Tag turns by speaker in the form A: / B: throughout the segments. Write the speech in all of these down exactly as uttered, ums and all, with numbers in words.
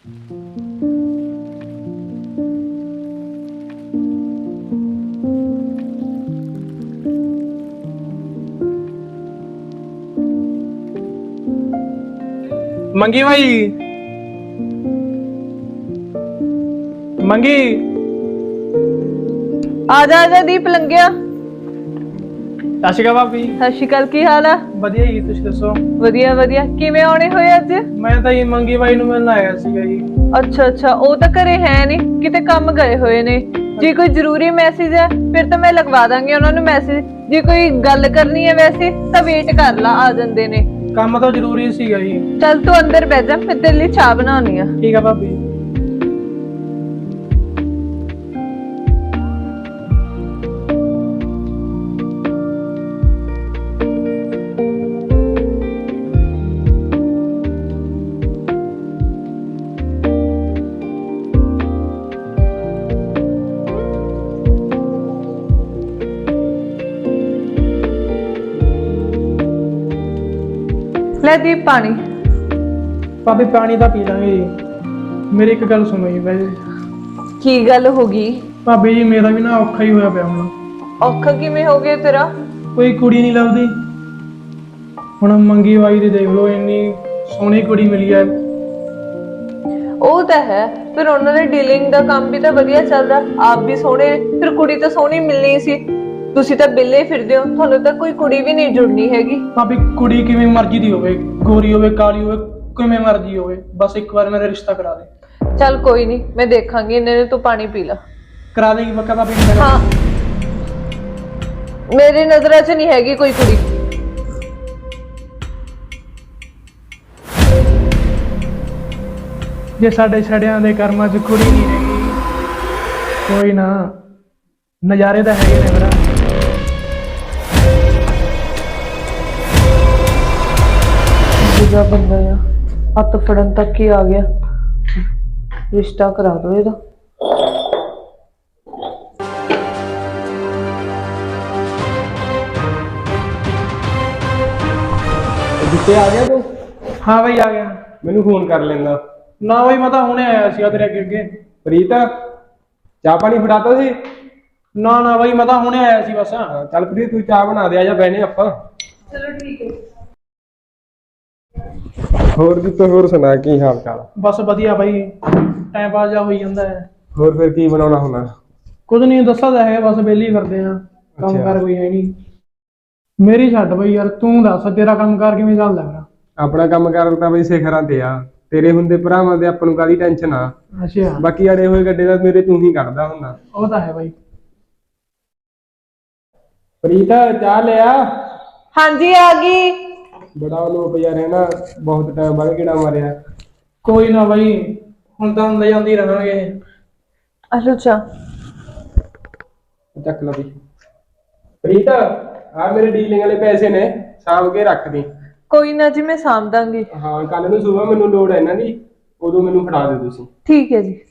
A: ਮੰਗੀ ਭਾਈ ਮੰਗੀ
B: ਆ ਜਾ ਆ ਜਾ ਦੀਪ ਲੰਘਿਆ।
A: ਸਤਿ ਸ਼੍ਰੀ ਅਕਾਲ ਭਾਬੀ।
B: ਸਤਿ ਸ਼੍ਰੀ ਅਕਾਲ, ਕੀ ਹਾਲ ਆ?
A: ਵਧੀਆ ਜੀ, ਤੁਸੀਂ ਦੱਸੋ?
B: ਵਧੀਆ ਵਧੀਆ। ਕਿਵੇਂ ਆਉਣੇ ਹੋਏ ਅੱਜ?
A: ਮੈਂ ਤਾਂ ਜੀ ਮੰਗੀ ਭਾਈ ਨੂੰ ਮਿਲਣ ਆਇਆ ਸੀਗਾ ਜੀ।
B: ਅੱਛਾ ਅੱਛਾ, ਉਹ ਤਾਂ ਘਰੇ ਹੈ ਨਹੀਂ, ਕਿਤੇ ਕੰਮ ਗਏ ਹੋਏ ਨੇ। ਜੇ ਕੋਈ ਜ਼ਰੂਰੀ ਮੈਸੇਜ ਹੈ ਫਿਰ ਤਾਂ ਮੈਂ ਲਗਵਾ ਦਾਂਗੀ ਉਹਨਾਂ ਨੂੰ ਮੈਸੇਜ। ਜੇ ਕੋਈ ਗੱਲ ਕਰਨੀ ਹੈ ਵੈਸੇ ਤਾਂ ਵੇਟ ਕਰ ਲਾ, ਆ ਜਾਂਦੇ ਨੇ।
A: ਕੰਮ ਤਾਂ ਜ਼ਰੂਰੀ ਸੀਗਾ ਜੀ।
B: ਚੱਲ ਤੂੰ ਅੰਦਰ ਬਹਿ ਜਾ, ਮੈਂ ਤੇਰੇ ਲਈ ਚਾਹ ਬਣਾਉਣੀ ਆ।
A: ਠੀਕ ਆ ਭਾਬੀ।
B: ਲੈ ਦੀਪ ਪਾਣੀ।
A: ਭਾਬੀ ਪਾਣੀ ਤਾਂ ਪੀ ਲਾਂਗੇ ਜੀ। ਮੇਰੀ ਇੱਕ ਗੱਲ ਸੁਣੋ ਜੀ ਵੈਸੇ।
B: ਕੀ ਗੱਲ ਹੋ ਗਈ?
A: ਭਾਬੀ ਜੀ ਮੇਰਾ ਵੀ ਨਾ ਔਖਾ ਹੀ ਹੋਇਆ ਪਿਆ ਹੁਣ।
B: ਔਖਾ ਕਿਵੇਂ ਹੋ ਗਿਆ ਤੇਰਾ?
A: ਕੋਈ ਕੁੜੀ ਨਹੀਂ ਲੱਭਦੀ। ਹੁਣ ਮੰਗੀ ਬਾਈ ਦੀ ਦੇਖ ਲਓ, ਇੰਨੀ ਸੋਹਣੀ ਕੁੜੀ ਮਿਲੀ ਹੈ।
B: ਉਹ ਤਾਂ ਹੈ, ਫਿਰ ਉਹਨਾਂ ਦੇ ਡੀਲਿੰਗ ਦਾ ਕੰਮ ਵੀ ਤਾਂ ਵਧੀਆ ਚੱਲਦਾ, ਆਪ ਵੀ ਸੋਹਣੇ, ਫਿਰ ਕੁੜੀ ਤਾਂ ਸੋਹਣੀ ਮਿਲਣੀ ਸੀ। ਤੁਸੀਂ ਤਾਂ ਬਿੱਲੇ ਫਿਰਦੇ ਹੋ, ਤੁਹਾਨੂੰ ਤਾਂ ਕੋਈ ਕੁੜੀ ਵੀ ਨਹੀਂ ਜੁੜਨੀ ਹੈਗੀ।
A: ਭਾਬੀ ਕੁੜੀ ਕਿਵੇਂ ਮਰਜ਼ੀ ਦੀ ਹੋਵੇ, ਗੋਰੀ ਹੋਵੇ ਕਾਲੀ ਹੋਵੇ, ਕਿਵੇਂ ਮਰਜ਼ੀ ਹੋਵੇ, ਬਸ ਇੱਕ ਵਾਰ ਮੇਰਾ ਰਿਸ਼ਤਾ ਕਰਾ ਦੇ।
B: ਚੱਲ ਕੋਈ ਨਹੀਂ, ਮੈਂ ਦੇਖਾਂਗੀ। ਇਹਨੇ ਨੇ ਤੂੰ ਪਾਣੀ ਪੀ ਲਾ।
A: ਕਰਾ ਦੇਗੀ ਪੱਕਾ ਭਾਬੀ?
B: ਹਾਂ, ਮੇਰੀ ਨਜ਼ਰਾਂ 'ਚ ਨਹੀਂ ਹੈਗੀ ਕੋਈ ਕੁੜੀ।
A: ਜੇ ਸਾਡੇ ਛੜਿਆਂ ਦੇ ਕਰਮਾਂ 'ਚ ਕੁੜੀ ਨਹੀਂ ਹੈਗੀ, ਕੋਈ ਨਾ, ਨਜ਼ਾਰੇ ਤਾਂ ਹੈਗੇ ਨੇ ਮੇਰਾ।
B: ਦੂਜਾ ਬੰਦਾ ਆ, ਹੱਥ ਫੜਨ ਤੱਕ ਹੀ ਆ ਗਿਆ। ਰਿਸ਼ਤਾ ਕਰਾ ਦੋ ਇਹਦਾ।
C: ਜਿੱਤੇ ਆ ਗਿਆ ਤੂੰ?
A: ਹਾਂ ਬਾਈ ਆ ਗਿਆ।
C: ਮੈਨੂੰ ਫੋਨ ਕਰ ਲੈਂਦਾ।
A: ਨਾ ਬਾਈ ਮੈਂ ਤਾਂ ਹੁਣੇ ਆਇਆ ਸੀਗਾ ਤੇਰੇ ਅੱਗੇ ਅੱਗੇ।
C: ਪ੍ਰੀਤ, ਚਾਹ ਪਾਣੀ ਫੜਾਤਾ ਸੀ?
A: ਨਾ ਨਾ ਬਾਈ ਮੈਂ ਤਾਂ ਹੁਣੇ ਆਇਆ ਸੀ ਬਸ।
C: ਹਾਂ, ਚੱਲ ਪ੍ਰੀਤ ਤੂੰ ਚਾਹ ਬਣਾ ਦੇ, ਆ ਜਾ ਬਹਿਨੇ ਆਪਾਂ।
B: ਚਲੋ ਠੀਕ ਹੈ।
C: ਹੋਰ ਜੀ ਤੂੰ ਹੋਰ ਸੁਣਾ, ਕੀ ਹਾਲ ਚਾਲ?
A: ਬਸ ਵਧੀਆ ਬਾਈ, ਟਾਈਮ ਪਾਸ ਜਾ ਹੋਈ ਜਾਂਦਾ ਹੈ।
C: ਹੋਰ ਫਿਰ ਕੀ ਬਣਾਉਣਾ ਹੁਣ?
A: ਕੁਝ ਨਹੀਂ ਦੱਸਾ ਤਾਂ ਹੈ, ਬਸ ਵਿਹਲੇ ਹੀ ਫਿਰਦੇ ਆ, ਕੰਮ ਕਰ ਕੋਈ ਹੈ ਨਹੀਂ। ਮੇਰੀ ਛੱਡ ਬਾਈ ਯਾਰ, ਤੂੰ ਦੱਸ ਤੇਰਾ ਕੰਮ ਕਾਰ ਕਿਵੇਂ ਚੱਲਦਾ ਮੇਰਾ?
C: ਆਪਣਾ ਕੰਮ ਕਾਰ ਤਾਂ ਬਈ ਸਿਖਰਾਂ ਤੇ ਆ, ਤੇਰੇ ਹੁੰਦੇ ਭਰਾਵਾਂ ਦੇ ਆਪਾਂ ਨੂੰ ਕਾਹਦੀ ਟੈਨਸ਼ਨ ਆ।
A: ਅੱਛਾ,
C: ਬਾਕੀ ਅੜੇ ਹੋਏ ਗੱਡੇ ਦਾ ਮੇਰੇ ਤੂੰ ਹੀ ਕੱਢਦਾ ਹੁੰਦਾ।
A: ਉਹ ਤਾਂ ਹੈ ਬਾਈ।
C: ਪ੍ਰੀਤ ਚਾਹ ਲਿਆ।
B: ਹਾਂਜੀ ਆ ਗਈ।
C: ਬੜਾ ਲੋਕ ਯਾਰ ਹੈ ਨਾ, ਬਹੁਤ ਟਾਈਮ ਬਾਅਦ ਕਿਹੜਾ ਮਾਰਿਆ।
A: ਕੋਈ ਨਾ ਬਾਈ, ਹੁਣ ਤਾਂ ਹੁੰਦੇ ਜਾਂਦੇ ਰਹਿਣਗੇ।
B: ਅੱਛਾ ਅੱਛਾ,
C: ਚੱਕ ਲਾ ਵੀ। ਪ੍ਰੀਤ ਆ ਮੇਰੇ ਡੀਲਿੰਗ ਵਾਲੇ ਪੈਸੇ ਨੇ, ਸਾਂਭ ਕੇ ਰੱਖ ਦੀ।
B: ਕੋਈ ਨਾ ਜੀ, ਮੈਂ ਸਾਂਭ ਦਾਂਗੀ।
C: ਹਾਂ, ਕੱਲ ਨੂੰ ਸਵੇਰ ਮੈਨੂੰ ਲੋੜ ਹੈ ਇਹਨਾਂ ਦੀ, ਉਦੋਂ ਮੈਨੂੰ ਫੜਾ ਦਿਓ ਤੁਸੀਂ।
B: ਠੀਕ ਹੈ ਜੀ।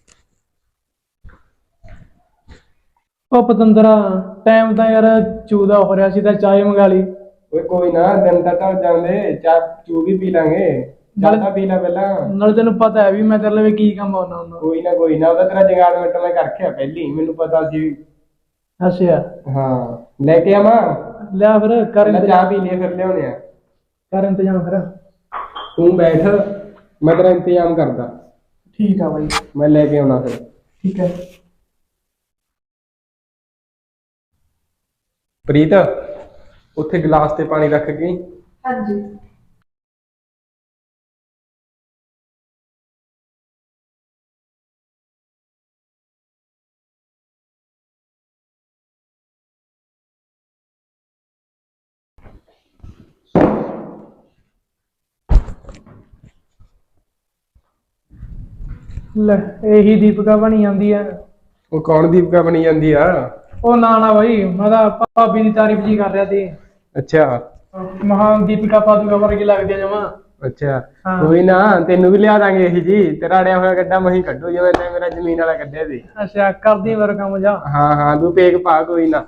A: ਉਹ ਪਤੰਦਰਾ, ਟਾਈਮ ਤਾਂ ਯਾਰ ਚੂਦਾ ਹੋ ਰਿਹਾ ਸੀ, ਤਾਂ ਚਾਹ ਮੰਗਾ ਲਈ।
C: ਓਏ ਕੋਈ ਨਾ, ਦਿਨ ਤਾਂ ਢਲ ਜਾਂਦੇ, ਚਾਹ ਚੂ ਵੀ ਪੀ ਲਾਂਗੇ। ਚਾਹ ਤਾਂ ਪੀ ਲੈ ਪਹਿਲਾਂ।
A: ਨਾਲ ਤੈਨੂੰ ਪਤਾ ਹੈ ਵੀ ਮੈਂ ਤੇਰੇ ਲਈ ਕੀ ਕੰਮ ਆਉਣਾ ਹੁੰਦਾ।
C: ਕੋਈ ਨਾ ਕੋਈ ਨਾ, ਉਹਦਾ ਤੇਰਾ ਜਗਾੜ ਮਿੰਟ ਮੈਂ ਕਰ ਰੱਖਿਆ ਪਹਿਲੀ, ਮੈਨੂੰ ਪਤਾ ਸੀ।
A: ਅੱਛਾ
C: ਹਾਂ, ਲੈ ਕੇ ਆਵਾਂ?
A: ਲਿਆ ਫਿਰ, ਕਰ
C: ਚਾਹ
A: ਇੰਤਜ਼ਾਮ।
C: ਪੀ ਲਈ ਫਿਰ ਲਿਆਉਣੇ ਆ।
A: ਕਰ ਇੰਤਜ਼ਾਮ ਫਿਰ।
C: ਤੂੰ ਬੈਠ, ਮੈਂ ਤੇਰਾ ਇੰਤਜ਼ਾਮ ਕਰਦਾ।
A: ਠੀਕ ਆ ਬਾਈ,
C: ਮੈਂ ਲੈ ਕੇ ਆਉਣਾ ਫਿਰ।
A: ਠੀਕ ਹੈ।
C: ਪ੍ਰੀਤ ਉੱਥੇ ਗਲਾਸ ਤੇ ਪਾਣੀ ਰੱਖ ਗਈ।
B: ਹਾਂਜੀ।
A: ਲੈ ਇਹੀ ਦੀਪਿਕਾ ਬਣੀ ਜਾਂਦੀ ਆ।
C: ਉਹ ਕੌਣ ਦੀਪਿਕਾ ਬਣੀ ਜਾਂਦੀ ਆ?
A: ਉਹ ਨਾ ਨਾ ਬਾਈ, ਮੈਂ ਤਾਂ ਭਾਬੀ ਦੀ ਤਾਰੀਫ ਜੀ ਕਰ ਰਿਹਾ ਸੀ।
C: ਅੱਛਾ,
A: ਮਹਾਂ ਦੀਪਿਕਾ ਪਾਦੂਕਾ ਵਰਗੀ ਲੱਗਦੀ ਆ ਜਮਾਂ।
C: ਅੱਛਾ ਕੋਈ ਨਾ, ਤੈਨੂੰ ਵੀ ਲਿਆ ਦਾਂਗੇ ਇਹੀ ਜੀ। ਤੇਰਾ ਅੜਿਆ ਹੋਇਆ ਗੱਡਾ ਮਹੀਂ ਕੱਢੋ, ਜਿਵੇਂ ਤੈਂ ਮੇਰਾ ਜ਼ਮੀਨ ਵਾਲਾ ਕੱਢਿਆ ਸੀ।
A: ਅੱਛਾ, ਕਰਦੀ ਮੇਰਾ ਕੰਮ ਜਾ।
C: ਹਾਂ ਹਾਂ, ਤੂੰ ਪੇਕ ਪਾ ਕੋਈ ਨਾ।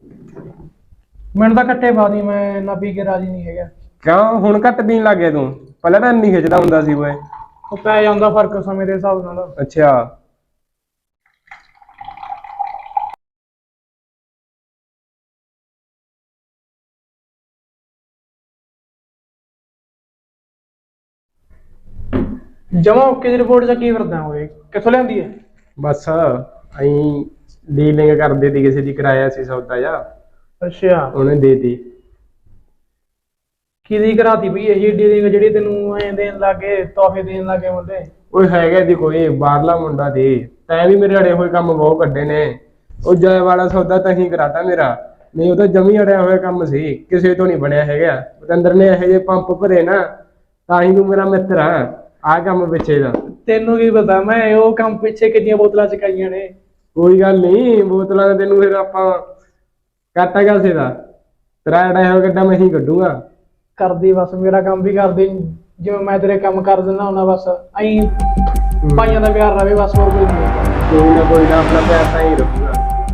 A: ਮੈਨੂੰ ਤਾਂ ਕੱਟੇ ਪਾ ਦੀ, ਮੈਂ ਨਾ ਪੀ ਕੇ ਰਾਜੀ ਨਹੀਂ ਹੈਗਾ।
C: ਕਿਉਂ ਹੁਣ ਘੱਟ ਪੀਣ ਲੱਗ ਗਿਆ ਤੂੰ? ਪਹਿਲਾਂ ਤਾਂ ਇੰਨੀ ਖਿੱਚਦਾ ਹੁੰਦਾ ਸੀ ਓਏ।
A: ਉਹ ਪੈ ਜਾਂਦਾ ਫਰਕ ਸਮੇਂ ਦੇ ਹਿਸਾਬ ਨਾਲ।
C: ਅੱਛਾ
A: ਜਮਾ ਓਕੇ ਦੀ ਰਿਪੋਰਟ ਚ ਕੀ ਫਿਰਦਾ ਹੋਏ, ਕਿੱਥੋਂ ਲਿਆਂਦੀ ਹੈ?
C: ਬਸ ਅਹੀਂ ਡੀਲਿੰਗ ਕਰਦੇ ਤੀ, ਕਿਸੇ ਦੀ ਕਰਾਇਆ ਸੀ ਸੌਦਾ ਜਾ,
A: ਅੱਛਾ,
C: ਉਹਨੇ ਦੇਤੀ।
A: ਕਿਹਦੀ ਕਰਾਤੀ ਬਈ ਇਹ ਡੀਲਿੰਗ ਜਿਹੜੀ ਤੈਨੂੰ ਐਂ ਦੇਣ ਲੱਗੇ, ਤੋਹਫੇ ਦੇਣ ਲੱਗੇ ਮੁੰਡੇ?
C: ਓਏ ਹੈਗਾ ਦੀ ਕੋਈ ਬਾਹਰਲਾ ਮੁੰਡਾ ਦੀ, ਤੈਂ ਵੀ ਮੇਰੇ ਅੜੇ ਹੋਏ ਕੰਮ ਬਹੁਤ ਕੱਢੇ ਨੇ। ਉਹ ਜੈ ਵਾਲਾ ਸੌਦਾ ਤਾਂ ਹੀ ਕਰਾਤਾ ਮੇਰਾ, ਨਹੀਂ ਉਹ ਤਾਂ ਜਮੀ ਅੜਿਆ ਹੋਇਆ ਕੰਮ ਸੀ, ਕਿਸੇ ਤੋਂ ਨਹੀਂ ਬਣਿਆ ਹੈਗਾ। ਪਤੰਦਰ ਨੇ ਇਹੋ ਜਿਹੇ ਪੰਪ ਭਰੇ ਨਾ, ਤਾਂ ਹੀ ਤੂੰ ਮੇਰਾ ਮਿੱਤਰ ਆ। ਆਹ ਕੰਮ ਪਿੱਛੇ ਦਾ
A: ਤੈਨੂੰ ਕੀ ਪਤਾ ਮੈਂ ਉਹ ਕੰਮ ਪਿੱਛੇ ਕਿੰਨੀਆਂ ਬੋਤਲਾਂ ਚਕਾਈਆਂ ਨੇ।
C: ਕੋਈ ਗੱਲ ਨਹੀਂ, ਬੋਤਲਾਂ ਦਾ ਤੈਨੂੰ ਫਿਰ ਆਪਾਂ ਕਾਟਾ ਕਾਸੇ ਦਾ, ਤੇਰਾ ਅੜਿਆ ਹੋਇਆ ਗੱਡਾ ਮੈਂ ਹੀ ਕੱਢੂਗਾ।
A: ਕਰਦੀ ਬਸ ਮੇਰਾ ਕੰਮ ਵੀ ਕਰਦੀ, ਜਿਵੇਂ ਮੈਂ ਤੇਰੇ ਕੰਮ ਕਰ ਦਿੰਦਾ ਹੁੰਦਾ, ਬਸ ਐਂ ਭਾਈਆਂ ਦਾ ਪਿਆਰ ਰਵੇ ਬਸ, ਹੋਰ ਕੋਈ ਨਹੀਂ।
C: ਕੋਈ ਨਾ ਕੋਈ ਨਾ, ਆਪਣਾ ਪਿਆਰ ਤਾਂ ਹੀ ਰੱਖੂਗਾ।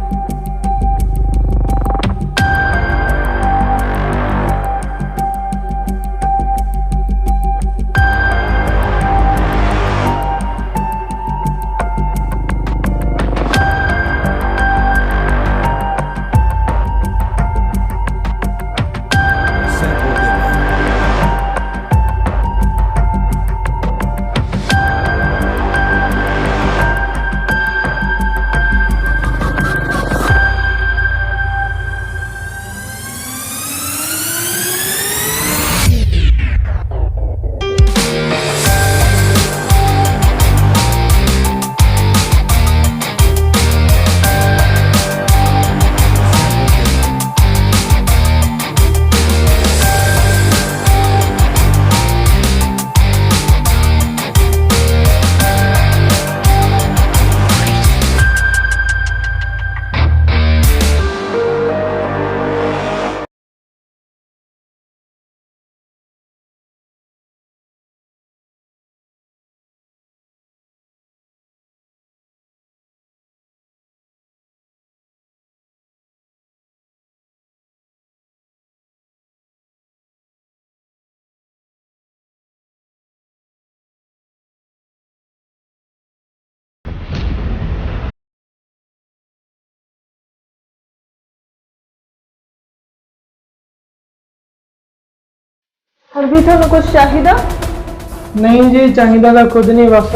B: ਹੋਰ ਵੀ ਤੁਹਾਨੂੰ ਕੁਝ ਚਾਹੀਦਾ?
A: ਨਹੀਂ ਜੀ, ਚਾਹੀਦਾ ਤਾਂ ਕੁਝ ਨਹੀਂ, ਬਸ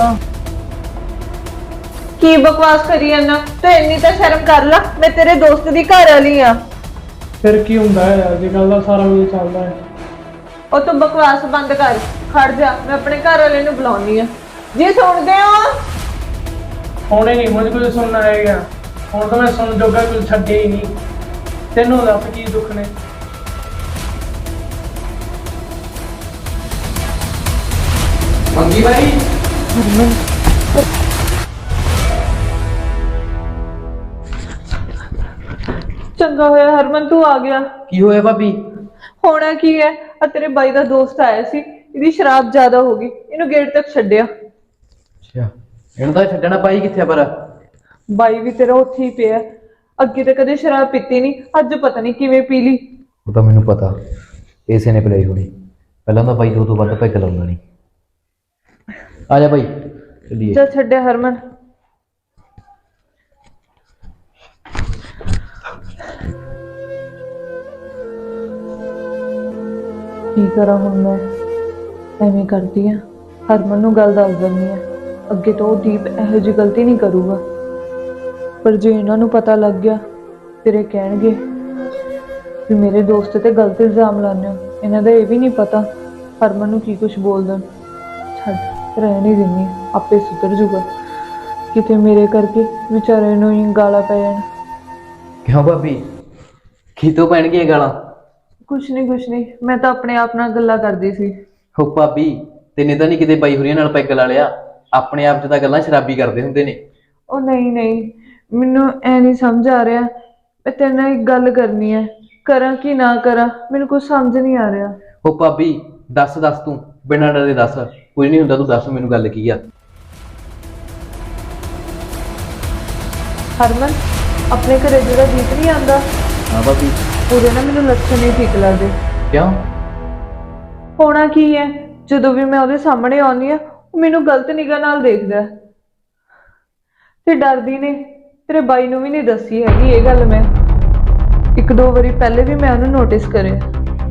B: ਕੀ ਬਕਵਾਸ ਕਰੀ ਜਾਂਦਾ ਤੂੰ? ਇੰਨੀ ਤਾਂ ਸ਼ਰਮ ਕਰ ਲੈ, ਮੈਂ ਤੇਰੇ ਦੋਸਤ ਦੀ ਘਰ ਵਾਲੀ ਆ।
A: ਫਿਰ ਕੀ ਹੁੰਦਾ ਹੈ, ਅੱਜ ਕੱਲ ਦਾ ਸਾਰਾ ਕੁਝ ਚੱਲਦਾ ਹੈ।
B: ਉਹ ਤੂੰ ਬਕਵਾਸ ਬੰਦ ਕਰ, ਖੜ ਜਾ, ਮੈਂ ਆਪਣੇ ਘਰ ਵਾਲੇ ਨੂੰ ਬੁਲਾਉਣੀ ਆ। ਜੀ ਸੁਣਦੇ ਹੋ?
A: ਹੁਣੇ ਨਹੀਂ ਮੁਝ ਕੁਝ ਸੁਣਨਾ ਹੈਗਾ, ਹੁਣ ਤਾਂ ਮੈਂ ਸੁਣ ਜੋਗਾ ਕੁਝ ਛੱਡਿਆ ਹੀ ਨਹੀਂ। ਤੈਨੂੰ ਦੱਸ ਕੀ ਦੁੱਖ ਨੇ?
D: ਮੰਗੀ ਭਾਈ,
B: ਚੰਗਾ ਹੋਇਆ ਹਰਮਨ ਤੂੰ ਆ ਗਿਆ।
D: ਕੀ ਹੋਇਆ ਭਾਬੀ?
B: ਹੋਣਾ ਕੀ ਹੈ, ਆ ਤੇਰੇ ਬਾਈ ਦਾ ਦੋਸਤ ਆਇਆ ਸੀ, ਇਹਦੀ ਸ਼ਰਾਬ ਜ਼ਿਆਦਾ ਹੋ ਗਈ, ਇਹਨੂੰ ਗੇਟ ਤੱਕ ਛੱਡਿਆ।
D: ਅੱਛਾ, ਇਹਨੂੰ ਤਾਂ ਛੱਡਣਾ, ਪਾਈ ਕਿੱਥੇ ਪਰ?
B: ਬਾਈ ਵੀ ਤੇਰਾ ਉੱਥੇ ਹੀ ਪਿਆ, ਅੱਗੇ ਤਾਂ ਕਦੇ ਸ਼ਰਾਬ ਪੀਤੀ ਨਹੀਂ, ਅੱਜ ਪਤਾ ਨਹੀਂ ਕਿਵੇਂ ਪੀ ਲਈ।
D: ਉਹ ਤਾਂ ਮੈਨੂੰ ਪਤਾ, ਇਸੇ ਨੇ ਪਿਲਾਈ ਹੋਣੀ। ਪਹਿਲਾਂ ਤਾਂ ਬਾਈ ਦੋ ਤੋਂ ਵੱਧ ਪੈਗ ਲਾਉਂਦਾ ਨਹੀਂ। ਆ ਜਾ ਭਾਈ ਚੱਲੀਏ।
B: ਚੱਲ ਛੱਡਿਆ ਹਰਮਨ। ਕੀ ਕਰਾਂ ਹੁਣ ਮੈਂ? ਐਵੇਂ ਕਰਦੀ ਆ, ਹਰਮਨ ਨੂੰ ਗੱਲ ਦੱਸ ਦਿੰਦੀ ਆ, ਅੱਗੇ ਤੋਂ ਉਹ ਦੀਪ ਇਹੋ ਜਿਹੀ ਗਲਤੀ ਨਹੀਂ ਕਰੂਗਾ। ਪਰ ਜੇ ਇਹਨਾਂ ਨੂੰ ਪਤਾ ਲੱਗ ਗਿਆ, ਫਿਰ ਇਹ ਕਹਿਣਗੇ ਵੀ ਮੇਰੇ ਦੋਸਤ ਤੇ ਗਲਤ ਇਲਜ਼ਾਮ ਲਾਉਂਦੇ ਹੋ। ਇਹਨਾਂ ਦਾ ਇਹ ਵੀ ਨਹੀਂ ਪਤਾ ਹਰਮਨ ਨੂੰ ਕੀ ਕੁਝ ਬੋਲ ਦੇਣ। ਛੱਡ, ਰਹਿਣ ਹੀ ਦਿੰਦੀ, ਆਪੇ ਸੁਧਰ ਜੂਗਾ। ਕਿਤੇ ਮੇਰੇ ਕਰਕੇ ਵਿਚਾਰੇ ਨੂੰ ਹੀ ਗਾਲਾਂ ਪੈ ਜਾਣ।
D: ਕਿਉਂ ਭਾਬੀ, ਕੀ ਤੋਂ ਪੈਣਗੀਆਂ ਗਾਲਾਂ?
B: ਕੁਛ ਨਹੀਂ ਕੁਛ ਨਹੀਂ, ਮੈਂ ਤਾਂ ਆਪਣੇ ਆਪ ਨਾਲ ਗੱਲਾਂ ਕਰਦੀ ਸੀ।
D: ਹੋ ਭਾਬੀ, ਤੈਨੇ ਤਾਂ ਨਹੀਂ ਕਿਤੇ ਬਾਈ ਹੋਰੀਆਂ ਨਾਲ ਪੈਗ ਲਾ ਲਿਆ? ਆਪਣੇ ਆਪ 'ਚ ਤਾਂ ਗੱਲਾਂ ਸ਼ਰਾਬੀ ਕਰਦੇ ਹੁੰਦੇ ਨੇ।
B: ਉਹ ਨਹੀਂ ਨਹੀਂ, ਮੈਨੂੰ ਐ ਨਹੀਂ ਸਮਝ ਆ ਰਿਹਾ। ਮੈਂ ਤੇਰੇ ਨਾਲ ਇੱਕ ਗੱਲ ਕਰਨੀ ਹੈ, ਕਰਾਂ ਕਿ ਨਾ ਕਰਾਂ, ਮੈਨੂੰ ਕੁਝ ਸਮਝ ਨਹੀਂ ਆ ਰਿਹਾ।
D: ਹੋ ਭਾਬੀ ਦੱਸ ਦੱਸ, ਤੂੰ ਬਿਨਾਂ ਡਰੇ ਦੱਸ, ਕੁਝ ਨਹੀਂ ਹੁੰਦਾ, ਤੂੰ ਦੱਸ ਮੈਨੂੰ ਗੱਲ ਕੀ ਆ।
B: ਹਰਮਨ, ਆਪਣੇ ਘਰੇ ਜਿਹੜਾ ਜੀਤ ਨਹੀਂ ਆਉਂਦਾ,
D: ਹਾਂ ਭਾਬੀ।
B: ਉਹਦੇ ਨਾਲ ਮੈਨੂੰ ਲੱਛਣ ਨਹੀਂ ਠੀਕ ਲੱਗਦੇ।
D: ਕਿਉਂ?
B: ਹੋਣਾ ਕੀ ਹੈ, ਜਦੋਂ ਵੀ ਮੈਂ ਉਹਦੇ ਸਾਹਮਣੇ ਆਉਂਦੀ ਆ ਉਹ ਮੈਨੂੰ ਗਲਤ ਨਿਗਾਹ ਨਾਲ ਦੇਖਦਾ ਹੈ। ਤੇ ਡਰਦੀ ਨੇ ਤੇਰੇ ਬਾਈ ਨੂੰ ਵੀ ਨਹੀਂ ਦੱਸੀ ਹੈਗੀ ਇਹ ਗੱਲ। ਮੈਂ ਇੱਕ ਦੋ ਵਾਰੀ ਪਹਿਲੇ ਵੀ ਮੈਂ ਉਹਨੂੰ ਨੋਟਿਸ ਕਰਿਆ।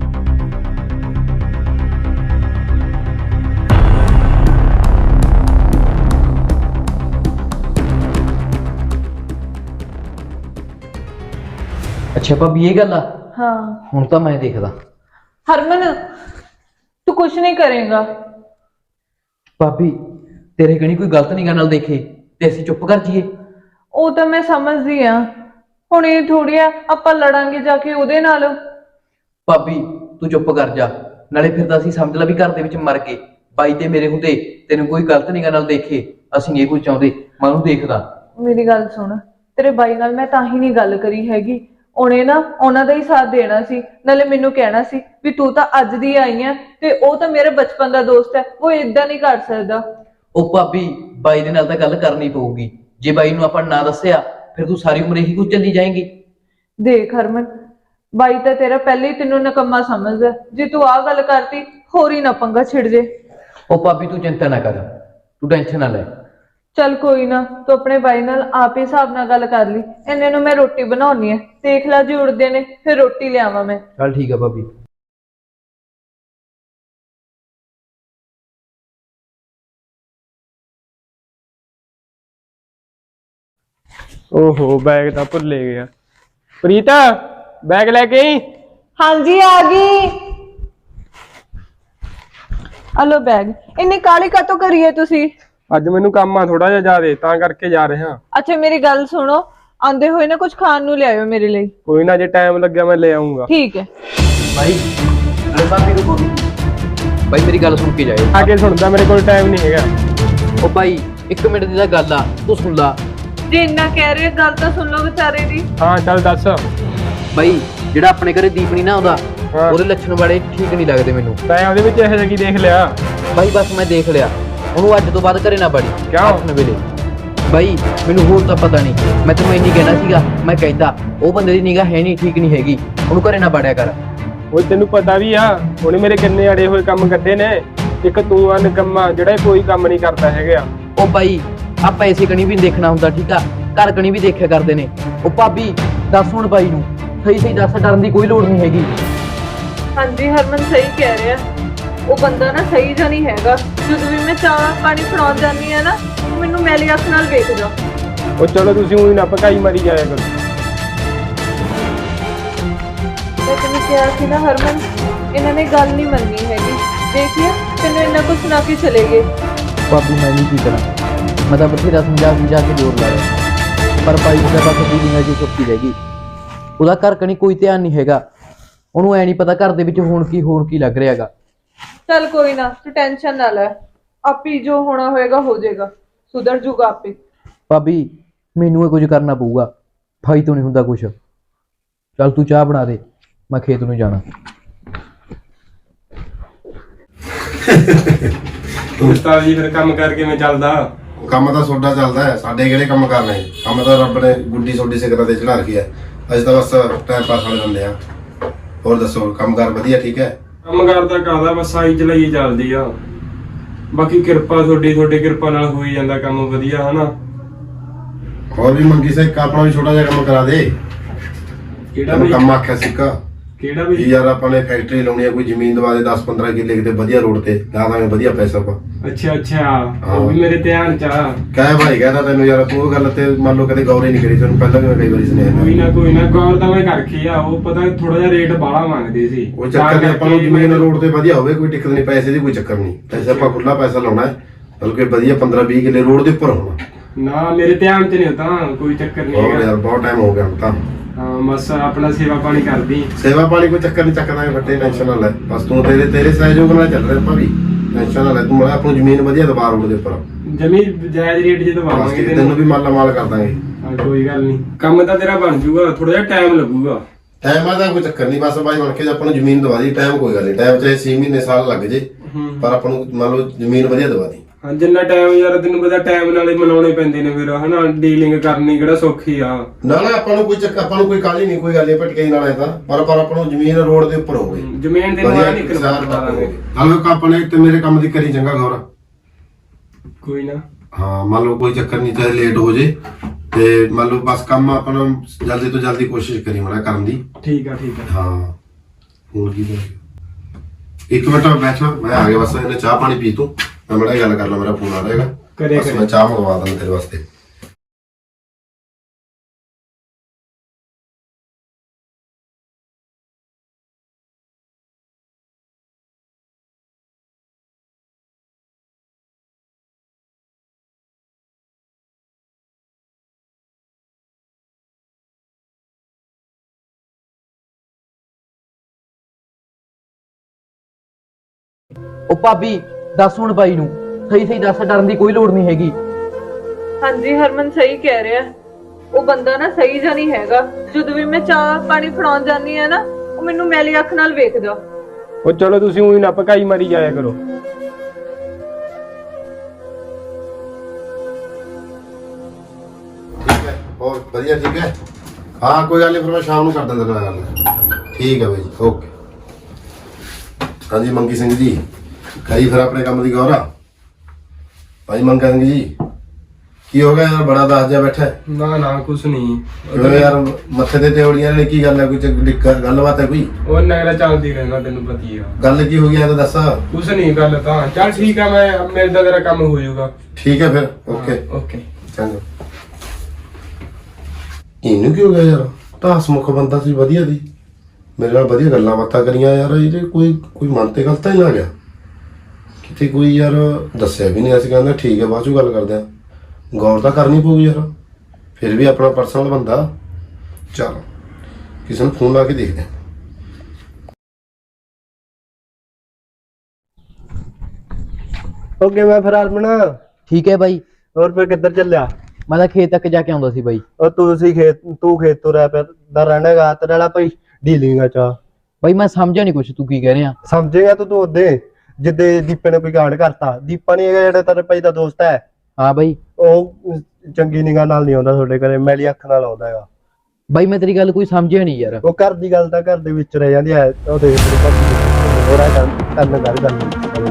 D: ਅੱਛਾ ਭਾਬੀ ਇਹ ਗੱਲ ਆ।
B: ਹਾਂ
D: ਹੁਣ ਤਾਂ ਮੈਂ ਦੇਖਦਾ।
B: ਹਰਮਨ ਤੂੰ ਕੁਝ ਨਹੀਂ ਕਰੇਗਾ।
D: ਭਾਬੀ ਤੇਰੇ ਕਣੀ ਕੋਈ ਗਲਤ ਨਿਗਾਹ ਨਾਲ ਦੇਖੇ ਤੇ ਅਸੀਂ ਚੁੱਪ ਕਰ ਜਾਈਏ?
B: ਉਹ ਤਾਂ ਮੈਂ ਸਮਝਦੀ ਆ, ਹੁਣ ਇਹ ਥੋੜੀ ਆ ਆਪਾਂ ਲੜਾਂਗੇ ਜਾ ਕੇ ਉਹਦੇ ਨਾਲ।
D: ਭਾਬੀ ਤੂੰ ਚੁੱਪ ਕਰ ਜਾ, ਨਾਲੇ ਫਿਰ ਤਾਂ ਅਸੀਂ ਸਮਝ ਲਾ ਵੀ ਘਰ ਦੇ ਵਿੱਚ ਮਰ ਗਏ। ਬਾਈ ਤੇ ਮੇਰੇ ਹੁੰਦੇ ਤੈਨੂੰ ਕੋਈ ਗਲਤ ਨਿਗਾਹ ਨਾਲ ਦੇਖੇ, ਅਸੀਂ ਇਹ ਕੁਝ ਚਾਹੁੰਦੇ। ਮੈਂ ਉਹਨੂੰ ਦੇਖਦਾ।
B: ਮੇਰੀ ਗੱਲ ਸੁਣ, ਤੇਰੇ ਬਾਈ ਨਾਲ ਮੈਂ ਤਾਂ ਹੀ ਨਹੀਂ ਗੱਲ ਕਰੀ ਹੈਗੀ। ਉਹਨੇ ਨਾ ਉਹਨਾਂ ਦਾ ਹੀ ਸਾਥ ਦੇਣਾ ਸੀ, ਨਾਲੇ ਮੈਨੂੰ ਕਹਿਣਾ ਸੀ ਵੀ ਤੂੰ ਤਾਂ ਅੱਜ ਦੀ ਆਈ ਆ ਤੇ ਉਹ ਤਾਂ ਮੇਰਾ ਬਚਪਨ ਦਾ ਦੋਸਤ ਹੈ, ਉਹ ਇਦਾਂ ਨਹੀਂ ਕਰ ਸਕਦਾ।
D: ਉਹ ਭਾਬੀ ਬਾਈ ਦੇ ਨਾਲ ਤਾਂ ਗੱਲ ਕਰਨੀ ਪਊਗੀ। ਜੇ ਬਾਈ ਨੂੰ ਆਪਾਂ ਨਾ ਦੱਸਿਆ ਫਿਰ ਤੂੰ ਸਾਰੀ ਉਮਰ ਇਹੀ ਕੁਝ ਚੱਲੀ ਜਾਏਂਗੀ।
B: ਦੇਖ ਹਰਮਨ, ਬਾਈ ਤਾਂ ਤੇਰਾ ਪਹਿਲੇ ਹੀ ਤੈਨੂੰ ਨਕੰਮਾ ਸਮਝਦਾ। ਜੇ ਤੂੰ ਆਹ ਗੱਲ ਕਰਤੀ ਹੋਰ ਹੀ ਨਾ ਪੰਗਾ ਛਿੜ ਜੇ।
D: ਉਹ ਭਾਬੀ ਤੂੰ ਚਿੰਤਾ ਨਾ ਕਰ, ਤੂੰ ਟੈਨਸ਼ਨ ਨਾ ਲੈ।
B: ਚੱਲ ਕੋਈ ਨਾ, ਤੂੰ ਆਪਣੇ ਬਾਈ ਨਾਲ ਆਪ ਹੀ ਹਿਸਾਬ ਨਾਲ ਗੱਲ ਕਰ ਲਈ। ਇੰਨੇ ਨੂੰ ਮੈਂ ਰੋਟੀ ਬਣਾਉਣੀ ਹੈ, ਦੇਖ ਲੈ ਜੇ ਉੜਦੇ ਨੇ ਫਿਰ ਰੋਟੀ ਲਿਆਵਾਂ ਮੈਂ।
D: ਚੱਲ ਠੀਕ ਆ ਭਾਬੀ।
C: ਓਹੋ ਬੈਗ ਤਾਂ ਭੁੱਲੇ ਗਿਆ। ਪ੍ਰੀਤਾ ਬੈਗ ਲੈ ਕੇ ਆਈ।
B: ਹਾਂਜੀ ਆ ਗਈ। Hello bag. ਇੰਨੀ ਕਾਲੀ ਕਾਤੋਂ ਕਰੀਏ ਤੁਸੀਂ?
C: ਅੱਜ ਮੈਨੂੰ ਕੰਮ ਆ ਥੋੜਾ ਜਿਹਾ ਜ਼ਿਆਦੇ, ਤਾਂ ਕਰਕੇ ਜਾ ਰਿਹਾ।
B: ਅੱਛਾ ਮੇਰੀ ਗੱਲ ਸੁਣੋ, ਆਂਦੇ ਹੋਏ ਨਾ ਕੁਝ ਖਾਣ ਨੂੰ ਲਿਆਇਓ ਮੇਰੇ ਲਈ।
C: ਕੋਈ ਨਾ, ਜੇ ਟਾਈਮ ਲੱਗਿਆ ਮੈਂ ਲੈ ਆਉਂਗਾ।
B: ਠੀਕ ਹੈ।
D: ਬਾਈ ਨਾਲੇ ਭਾਬੀ ਰੁਕੋ। ਬਾਈ ਮੇਰੀ ਗੱਲ ਸੁਣ ਕੇ ਜਾਇਓ।
C: ਆ ਕੇ ਸੁਣਦਾ, ਮੇਰੇ ਕੋਲ ਟਾਈਮ ਨਹੀਂ ਹੈਗਾ।
D: ਉਹ ਬਾਈ ਇੱਕ ਮਿੰਟ ਦੀ ਤਾਂ ਗੱਲ ਆ, ਤੂੰ ਸੁਣ ਲਾ।
B: ਜੇ ਇੰਨਾ ਕਹਿ ਰਹੇ ਗੱਲ ਤਾਂ ਸੁਣ ਲਓ ਵਿਚਾਰੇ ਦੀ।
C: ਹਾਂ ਚੱਲ ਦੱਸ।
D: ਬਾਈ ਜਿਹੜਾ ਆਪਣੇ ਘਰੇ ਦੀਪ ਨਹੀਂ ਨਾ ਆਉਂਦਾ,
C: ਹਾਂ।
D: ਉਹਦੇ ਲੱਛਣ ਬੜੇ ਠੀਕ ਨਹੀਂ ਲੱਗਦੇ ਮੈਨੂੰ।
C: ਤੈਂ ਉਹਦੇ ਵਿੱਚ ਇਹੋ ਜਿਹਾ ਕੀ ਦੇਖ ਲਿਆ?
D: ਬਾਈ ਬਸ ਮੈਂ ਦੇਖ ਲਿਆ, ਉਹਨੂੰ ਅੱਜ ਤੋਂ ਬਾਅਦ ਘਰੇ ਨਾ ਬੜੀ।
C: ਕਿਉਂ?
D: ਆਪਣੇ ਵੇਲੇ ਬਾਈ ਮੈਨੂੰ ਹੋਰ ਤਾਂ ਪਤਾ ਨਹੀਂ, ਮੈਂ ਤੈਨੂੰ ਇੰਨੀ ਕਹਿਣਾ ਸੀਗਾ। ਮੈਂ ਕਹਿੰਦਾ ਉਹ ਬੰਦੇ ਦੀ ਨਿਗਾਹ ਹੈ ਨਹੀਂ, ਠੀਕ ਨਹੀਂ ਹੈਗੀ, ਉਹਨੂੰ ਘਰੇ ਨਾ ਵੜਿਆ ਕਰ।
C: ਉਹ ਤੈਨੂੰ ਪਤਾ ਵੀ ਆ, ਉਹਨੇ ਮੇਰੇ ਕਿੰਨੇ ਅੜੇ ਹੋਏ ਕੰਮ ਕੱਢੇ ਨੇ। ਇੱਕ ਤੂੰ ਆ ਨਿਕੰਮਾ ਜਿਹੜਾ ਕੋਈ ਕੰਮ ਨਹੀਂ ਕਰਦਾ ਹੈਗਾ।
D: ਉਹ ਬਾਈ ਆ ਪੈਸੇ ਕਣੀ ਵੀ ਨੀ ਦੇਖਣਾ ਹੁੰਦਾ, ਠੀਕ ਆ? ਘਰ ਕਣੀ ਵੀ ਦੇਖਿਆ ਕਰਦੇ ਨੇ। ਉਹ ਭਾਬੀ ਦੱਸ ਹੁਣ ਬਾਈ ਨੂੰ ਸਹੀ ਸਹੀ ਦੱਸ, ਡਰਨ ਦੀ ਕੋਈ ਲੋੜ ਨਹੀਂ ਹੈਗੀ।
B: ਹਾਂਜੀ ਹਰਮਨ ਸਹੀ ਕਹਿ ਰਿਹਾ, ਉਹ ਬੰਦਾ ਨਾ ਸਹੀ ਜਾਂ ਨਹੀਂ ਹੈਗਾ। ਜਦੋਂ ਵੀ ਮੈਂ ਚਾਹ ਪਾਣੀ ਫੜਾਉਣ ਜਾਂਦੀ ਆ ਨਾ, ਉਹ ਮੈਨੂੰ ਮੈਲੀ ਅੱਖ ਨਾਲ ਵੇਖਦਾ।
C: ਉਹ ਚਲੋ ਤੁਸੀਂ ਉਹੀ ਨਾ ਭਕਾਈ ਮਾਰੀ ਜਾਇਆ ਕਰੋ।
B: ਮੈਂ ਤੈਨੂੰ ਕਿਹਾ ਸੀ ਨਾ ਹਰਮਨ, ਇਹਨਾਂ ਨੇ ਗੱਲ ਨਹੀਂ ਮੰਨੀ ਹੈਗੀ। ਦੇਖਿਆ ਤੈਨੂੰ ਇੰਨਾ ਕੁਛ ਸੁਣਾ ਕੇ ਚਲੇ ਗਏ।
D: ਭਾਬੀ ਮੈਂ ਨਹੀਂ ਕੀ ਕਰਾਂ, ਮੈਂ ਤਾਂ ਬਥੇਰਾ ਸਮਝਾ ਸਮਝਾ ਕੇ ਜ਼ੋਰ ਲਾਇਆ, ਪਰ ਭਾਈ ਉਹਦੇ ਪਾਸੇ ਦੀ ਨਿਗਾਹ ਜੀ ਚੁੱਕੀ ਰਹਿ ਗਈ। ਉਹਦਾ ਘਰ ਕਣੀ ਕੋਈ ਧਿਆਨ ਨਹੀਂ ਹੈਗਾ, ਉਹਨੂੰ ਐ ਨਹੀਂ ਪਤਾ ਘਰ ਦੇ ਵਿੱਚ ਹੁਣ ਕੀ ਹੋਰ ਕੀ ਲੱਗ ਰਿਹਾ ਹੈਗਾ।
B: ਚੱਲ ਕੋਈ ਨਾ, ਤੂੰ ਟੈਨਸ਼ਨ ਨਾ ਲੈ, ਆਪੀ ਜੋ ਹੋਣਾ ਹੋਏਗਾ ਹੋ ਜਾਏਗਾ, ਸੁਧਰ ਜੂਗਾ ਆਪੇ।
D: ਭਾਬੀ ਮੈਨੂੰ ਇਹ ਕੁਝ ਕਰਨਾ ਪਊਗਾ, ਭਾਈ ਤੋਂ ਨਹੀਂ ਹੁੰਦਾ ਕੁਝ। ਚੱਲ ਤੂੰ ਚਾਹ ਬਣਾ ਦੇ, ਮੈਂ ਖੇਤ ਨੂੰ ਜਾਣਾ।
C: ਉਸਤਾਦ ਜੀ ਫਿਰ ਕੰਮ ਕਰਕੇ ਮੈਂ ਚੱਲਦਾ।
E: ਕੰਮ ਤਾਂ ਸੋਡਾ ਚੱਲਦਾ ਹੈ, ਸਾਡੇ ਕਿਹੜੇ ਕੰਮ ਕਰਨੇ? ਕੰਮ ਤਾਂ ਰੱਬ ਨੇ ਗੁੱਡੀ ਸੋਡੀ ਸਿਕਰਾਂ ਤੇ ਚੜਾ ਰੱਖੀ ਹੈ। ਅਸੀਂ ਤਾਂ ਬਸ ਟਾਈਮ ਪਾਸ ਵਾਲੇ ਬੰਦੇ ਆ। ਹੋਰ ਦੱਸੋ, ਕੰਮਕਾਰ ਵਧੀਆ ਠੀਕ ਹੈ?
C: ਕੰਮ ਕਰਦਾ ਕਰਦਾ ਬਸ ਆਈ ਚਲਾਈ ਚੱਲਦੀ ਆ। ਬਾਕੀ ਕਿਰਪਾ ਤੁਹਾਡੀ, ਤੁਹਾਡੀ ਕਿਰਪਾ ਨਾਲ ਹੋਈ ਜਾਂਦਾ ਕੰਮ ਵਧੀਆ, ਹਨਾ?
E: ਹੋਰ ਵੀ ਮੰਗੀ ਸੇ ਆਪਣਾ ਵੀ ਛੋਟਾ ਜਿਹਾ ਕੰਮ ਕਰਾ ਦੇ।
C: ਕਿਹੜਾ
E: ਤੈਨੂੰ
C: ਵੀ?
E: ਕੰਮ ਆਖਿਆ ਸਿੱਕਾ
C: ਕਿਹੜਾ
E: ਜੀ
C: ਵੀ?
E: ਯਾਰ, ਆਪਾਂ ਨੇ ਫੈਕਟਰੀ ਲਾਉਣੀ ਆ, ਕੋਈ ਜ਼ਮੀਨ ਦਵਾ ਦੇ ਦਸ ਪੰਦਰਾਂ ਕਿੱਲੇ ਕਿਤੇ ਵਧੀਆ ਰੋਡ ਤੇ, ਲਾ ਦਾਂਗੇ ਵਧੀਆ ਪੈਸਾ ਪਾ।
C: ਅੱਛਾ ਅੱਛਾ, ਉਹ ਵੀ ਮੇਰੇ ਧਿਆਨ ਚ ਆ।
E: ਕਹਿ ਭਾਈ ਕਹਿੰਦਾ ਤੈਨੂੰ ਯਾਰ, ਤੂੰ ਉਹ ਗੱਲ ਤੇ ਮੰਨ ਲਓ ਕਦੇ ਗੌਰ ਹੀ ਨਹੀਂ ਕਰੀ। ਤੈਨੂੰ ਪਹਿਲਾਂ ਵੀ ਮੈਂ ਕਈ ਵਾਰੀ ਸੁਣਿਆ
C: ਕੋਈ ਨਾ ਕੋਈ ਨਾ, ਗੌਰ ਤਾਂ ਮੈਂ ਕਰਕੇ ਆ। ਉਹ ਪਤਾ ਥੋੜਾ ਜਿਹਾ ਰੇਟ ਬਾਹਲਾ ਮੰਗਦੇ ਸੀ।
E: ਉਹ ਚੱਕਰ ਨਹੀਂ, ਆਪਾਂ ਨੂੰ ਜ਼ਮੀਨ ਰੋਡ ਤੇ ਵਧੀਆ ਹੋਵੇ, ਕੋਈ ਦਿੱਕਤ ਨਹੀਂ, ਪੈਸੇ ਦੀ ਕੋਈ ਚੱਕਰ ਨਹੀਂ। ਪੈਸੇ ਆਪਾਂ ਖੁੱਲਾ ਪੈਸਾ ਲਾਉਣਾ ਹੈ, ਬਲਕਿ ਵਧੀਆ ਪੰਦਰਾਂ ਵੀਹ ਕਿੱਲੇ ਰੋਡ ਦੇ ਉੱਪਰ ਹੋਣਾ।
C: ਨਾ ਮੇਰੇ ਧਿਆਨ ਚ ਨਹੀਂ ਹੁੰਦਾ, ਕੋਈ ਚੱਕਰ ਨਹੀਂ
E: ਹੋਰ
C: ਹੈਗਾ।
E: ਯਾਰ ਬਹੁਤ ਟਾਈਮ ਹੋ ਗਿਆ ਹੁਣ ਤਾਂ।
C: ਹਾਂ ਬਸ ਆਪਣਾ ਸੇਵਾ ਪਾਣੀ ਕਰਦੀ।
E: ਸੇਵਾ ਪਾਣੀ ਕੋਈ ਚੱਕਰ ਨਹੀਂ, ਚੱਕਦਾ ਫੱਟੇ, ਟੈਨਸ਼ਨ ਨਾ ਲੈ। ਬਸ ਤੂੰ ਤੇਰੇ ਤੇਰੇ ਸਹਿਯੋਗ ਨਾਲ ਚੱਲ ਰਿਹਾ ਆਪਾਂ ਵੀ, ਟੈਨਸ਼ਨ ਨਾ ਲੈ ਤੂੰ। ਮੈਂ ਆਪਣੀ ਜ਼ਮੀਨ ਵਧੀਆ ਦਬਾ ਰੋਡ ਦੇ ਉੱਪਰ,
C: ਜਮੀ ਜਾਇਜ਼ ਰੇਟ ਜੇ
E: ਬਸ
C: ਦਵਾਵਾਂਗੇ
E: ਤੈਨੂੰ ਵੀ ਮਾਲਾ ਮਾਲ ਕਰ ਦਾਂਗੇ।
C: ਹਾਂ ਕੋਈ ਗੱਲ ਨਹੀਂ, ਕੰਮ ਤਾਂ ਤੇਰਾ ਬਣ ਜੂਗਾ, ਥੋੜਾ ਜਿਹਾ ਟਾਈਮ ਲੱਗੂਗਾ।
E: ਟਾਈਮ ਦਾ ਕੋਈ ਚੱਕਰ ਨਹੀਂ, ਬਸ ਬਾਈ ਬਣ ਕੇ ਆਪਾਂ ਨੂੰ ਜ਼ਮੀਨ ਦਵਾ ਦੀ। ਟਾਈਮ ਕੋਈ ਗੱਲ ਨਹੀਂ, ਟਾਈਮ ਚਾਹੇ ਛੇ ਮਹੀਨੇ ਸਾਲ ਲੱਗ ਜੇ, ਪਰ ਆਪਾਂ ਨੂੰ ਮੰਨ ਲਓ ਜ਼ਮੀਨ ਵਧੀਆ ਦਵਾ ਦੀ।
C: ਹਾਂ ਜਿੰਨਾ ਟਾਈਮ ਯਾਰ ਤੈਨੂੰ ਪਤਾ ਟਾਈਮ ਨਾਲੇ ਮਨਾਉਣੇ ਪੈਂਦੇ ਨੇ ਫਿਰ ਹਨਾ ਡੀਲਿੰਗ ਕਰਨੀ ਕਿਹੜਾ ਸੌਖੀ ਆ।
E: ਨਾ ਨਾ ਆਪਾਂ ਨੂੰ ਕੋਈ ਚੱਕ ਆਪਾਂ ਨੂੰ ਕੋਈ ਕਾਲੀ ਨਹੀਂ ਕੋਈ ਗੱਲ ਨਹੀਂ ਭਟਕੇ ਨਾਲ ਤਾਂ ਪਰ ਪਰ ਆਪਾਂ ਨੂੰ ਜ਼ਮੀਨ ਰੋਡ ਦੇ ਉੱਪਰ ਹੋਵੇ
C: ਜ਼ਮੀਨ ਦੇ ਨਾਲ ਨਿਕਲ ਪਾਵਾਂਗੇ।
E: ਹਲੋ ਆਪਣੇ ਤੇ ਮੇਰੇ ਕੰਮ ਦੀ ਕਰੀ ਚੰਗਾ ਗੌਰ
C: ਕੋਈ ਨਾ
E: ਹਾਂ ਮੰਨ ਲਓ ਕੋਈ ਚੱਕਰ ਨਹੀਂ ਚਾਹੇ ਲੇਟ ਹੋ ਜੇ ਤੇ ਮੰਨ ਲਓ ਬਸ ਕੰਮ ਆਪਣਾ ਜਲਦੀ ਤੋਂ ਜਲਦੀ ਕੋਸ਼ਿਸ਼ ਕਰੀ ਮਾੜਾ ਕਰਨ ਦੀ।
C: ਠੀਕ ਆ ਠੀਕ ਆ
E: ਹਾਂ ਹੋਰ ਕੀ ਬੋਲ ਇੱਕ ਮਿੰਟ ਬੈਠਾ ਮੈਂ ਆ ਗਿਆ ਬਸ ਇਹਨੇ ਚਾਹ ਪਾਣੀ ਪੀ ਤੂੰ ਮੈਂ ਮੜਾ ਗੱਲ ਕਰ ਲਾ ਮੇਰਾ ਫੋਨ ਆ ਰਿਹਾ ਹੈਗਾ
C: ਕਰੇ
E: ਬਸ ਮੈਂ ਚਾਹ ਮੰਗਵਾ ਦਾਂ ਤੇਰੇ ਵਾਸਤੇ।
D: ਉਹ ਭਾਬੀ ਦੱਸ ਹੁਣ ਬਾਈ ਨੂੰ ਸਹੀ ਸਹੀ ਦੱਸ, ਡਰਨ ਦੀ ਕੋਈ ਲੋੜ ਨਹੀਂ ਹੈਗੀ।
B: ਹਾਂਜੀ ਹਰਮਨ ਸਹੀ ਕਹਿ ਰਿਹਾ, ਉਹ ਬੰਦਾ ਨਾ ਸਹੀ ਜਿਹਾ ਨਹੀਂ ਹੈਗਾ। ਜਦੋਂ ਵੀ ਮੈਂ ਚਾਹ ਪਾਣੀ ਫੜਾਉਣ ਜਾਂਦੀ ਆ ਨਾ ਉਹ ਮੈਨੂੰ ਮੈਲੀ ਅੱਖ ਨਾਲ ਵੇਖਦਾ।
C: ਉਹ ਚਲੋ ਤੁਸੀਂ ਉਹੀ ਨਾ ਪਕਾਈ ਮਾਰੀ ਜਾਇਆ ਕਰੋ।
E: ਠੀਕ ਹੈ ਹੋਰ ਵਧੀਆ ਠੀਕ ਹੈ ਹਾਂ ਕੋਈ ਗੱਲ ਨਹੀਂ ਫਿਰ ਮੈਂ ਸ਼ਾਮ ਨੂੰ ਕਰ ਦਿੰਦਾ ਤੇਰੇ ਨਾਲ ਗੱਲ। ਠੀਕ ਹੈ ਬਾਈ ਜੀ ਓਕੇ। ਹਾਂਜੀ ਮੰਗੀ ਸਿੰਘ ਜੀ ਕਰੀ ਫਿਰ ਆਪਣੇ ਕੰਮ ਦੀ ਗੌਰ ਆ ਭਾਈ ਮੰਗਾ ਸਿੰਘ ਜੀ ਕੀ ਹੋ ਗਿਆ ਯਾਰ ਬੜਾ ਦੱਸ ਜਾ ਬੈਠਾ
C: ਨਾ ਨਾ ਕੁਛ ਨਹੀਂ
E: ਕਿਉਂ ਯਾਰ ਮੱਥੇ ਤੇ ਤੇਵੜੀਆਂ ਨੇ ਕੀ ਗੱਲ ਹੈ ਕੋਈ ਚੱਕ- ਗੱਲਬਾਤ ਹੈ ਕੋਈ
C: ਉਹ ਨਗਰਾ ਚੱਲਦੀ ਰਹਿਣਾ ਤੈਨੂੰ ਪਤੀ ਆ।
E: ਗੱਲ ਕੀ ਹੋ ਗਈ ਇਹ ਤਾਂ ਦੱਸ।
C: ਕੁਛ ਨਹੀਂ ਗੱਲ ਤਾਂ ਚੱਲ ਠੀਕ ਆ ਮੈਂ ਮਿਲਦਾ ਤੇਰਾ ਕੰਮ ਹੋ ਜਾਊਗਾ।
E: ਠੀਕ ਹੈ ਫਿਰ ਓਕੇ
C: ਓਕੇ
E: ਚੰਗਾ। ਇਹਨੂੰ ਕੀ ਹੋ ਗਿਆ ਯਾਰ ਤਾਂ ਹਸਮੁਖ ਬੰਦਾ ਸੀ ਵਧੀਆ ਦੀ ਮੇਰੇ ਨਾਲ ਵਧੀਆ ਗੱਲਾਂ ਬਾਤਾਂ ਕਰੀਆਂ ਯਾਰ ਇਹਦੇ ਕੋਈ ਕੋਈ ਮਨ ਤੇ ਗਲਤ ਹੀ ਨਾ ਗਿਆ ਕਿਤੇ ਕੋਈ ਯਾਰ ਦੱਸਿਆ ਵੀ ਨਹੀਂ ਅਸੀਂ ਕਹਿੰਦੇ ਠੀਕ ਹੈ ਬਾਅਦ ਚੋਂ ਗੱਲ ਕਰਦੇ ਆ ਗੌਰ ਤਾਂ ਕਰਨੀ ਪਊਗੀ ਯਾਰ ਫਿਰ ਵੀ ਆਪਣਾ ਪਰਸਨਲ ਬੰਦਾ। ਚਲ ਕਿਸੇ ਨੂੰ ਫੋਨ ਲਾ ਕੇ ਦੇਖਦੇ ਆ।
F: ਓਕੇ ਮੈਂ ਫਿਰ ਹਰਮਨ
D: ਠੀਕ ਹੈ ਬਾਈ।
F: ਹੋਰ ਫਿਰ ਕਿੱਧਰ ਚੱਲਿਆ?
D: ਮੈਂ ਤਾਂ ਖੇਤ ਤੱਕ ਜਾ ਕੇ ਆਉਂਦਾ ਸੀ ਬਾਈ।
F: ਉਹ ਤੁਸੀਂ ਖੇਤ ਤੂੰ ਖੇਤ ਤੋਂ ਰਹਿ ਪਿਆ ਦਾ ਰਹਿਣਾਗਾ ਤੇਰੇ ਵਾਲਾ ਭਾਈ ਡੀਲਿੰਗ ਆ ਚਾ
D: ਬਾਈ ਮੈਂ ਸਮਝਿਆ ਨਹੀਂ ਕੁਛ ਤੂੰ ਕੀ ਕਹਿ ਰਿਹਾ।
F: ਸਮਝੇਗਾ ਤੂੰ ਤੂੰ ਉਹਦੇ ਜਿੱਦੇ ਦੀਪੇ ਨੇ ਕੋਈ ਗਾੜ ਕਰਤਾ। ਦੀਪਾ ਨਹੀਂ ਹੈਗਾ ਜਿਹੜਾ ਤੇਰੇ ਭਾਈ ਦਾ ਦੋਸਤ ਹੈ
D: ਹਾਂ ਬਾਈ
F: ਉਹ ਚੰਗੀ ਨਿਗਾਹ ਨਾਲ ਨਹੀਂ ਆਉਂਦਾ ਤੁਹਾਡੇ ਘਰੇ ਮੈਲੀ ਅੱਖ ਨਾਲ ਆਉਂਦਾ ਹੈਗਾ।
D: ਬਾਈ ਮੈਂ ਤੇਰੀ ਗੱਲ ਕੋਈ ਸਮਝਿਆ ਨਹੀਂ ਯਾਰ।
F: ਉਹ ਘਰ ਦੀ ਗੱਲ ਤਾਂ ਘਰ ਦੇ ਵਿੱਚ ਰਹਿ ਜਾਂਦੀ ਹੈ। ਉਹ ਦੇਖ ਤੇਰੇ ਭਾਈ ਹੋਰਾ ਕਰਨ ਗੱਲ ਗੱਲ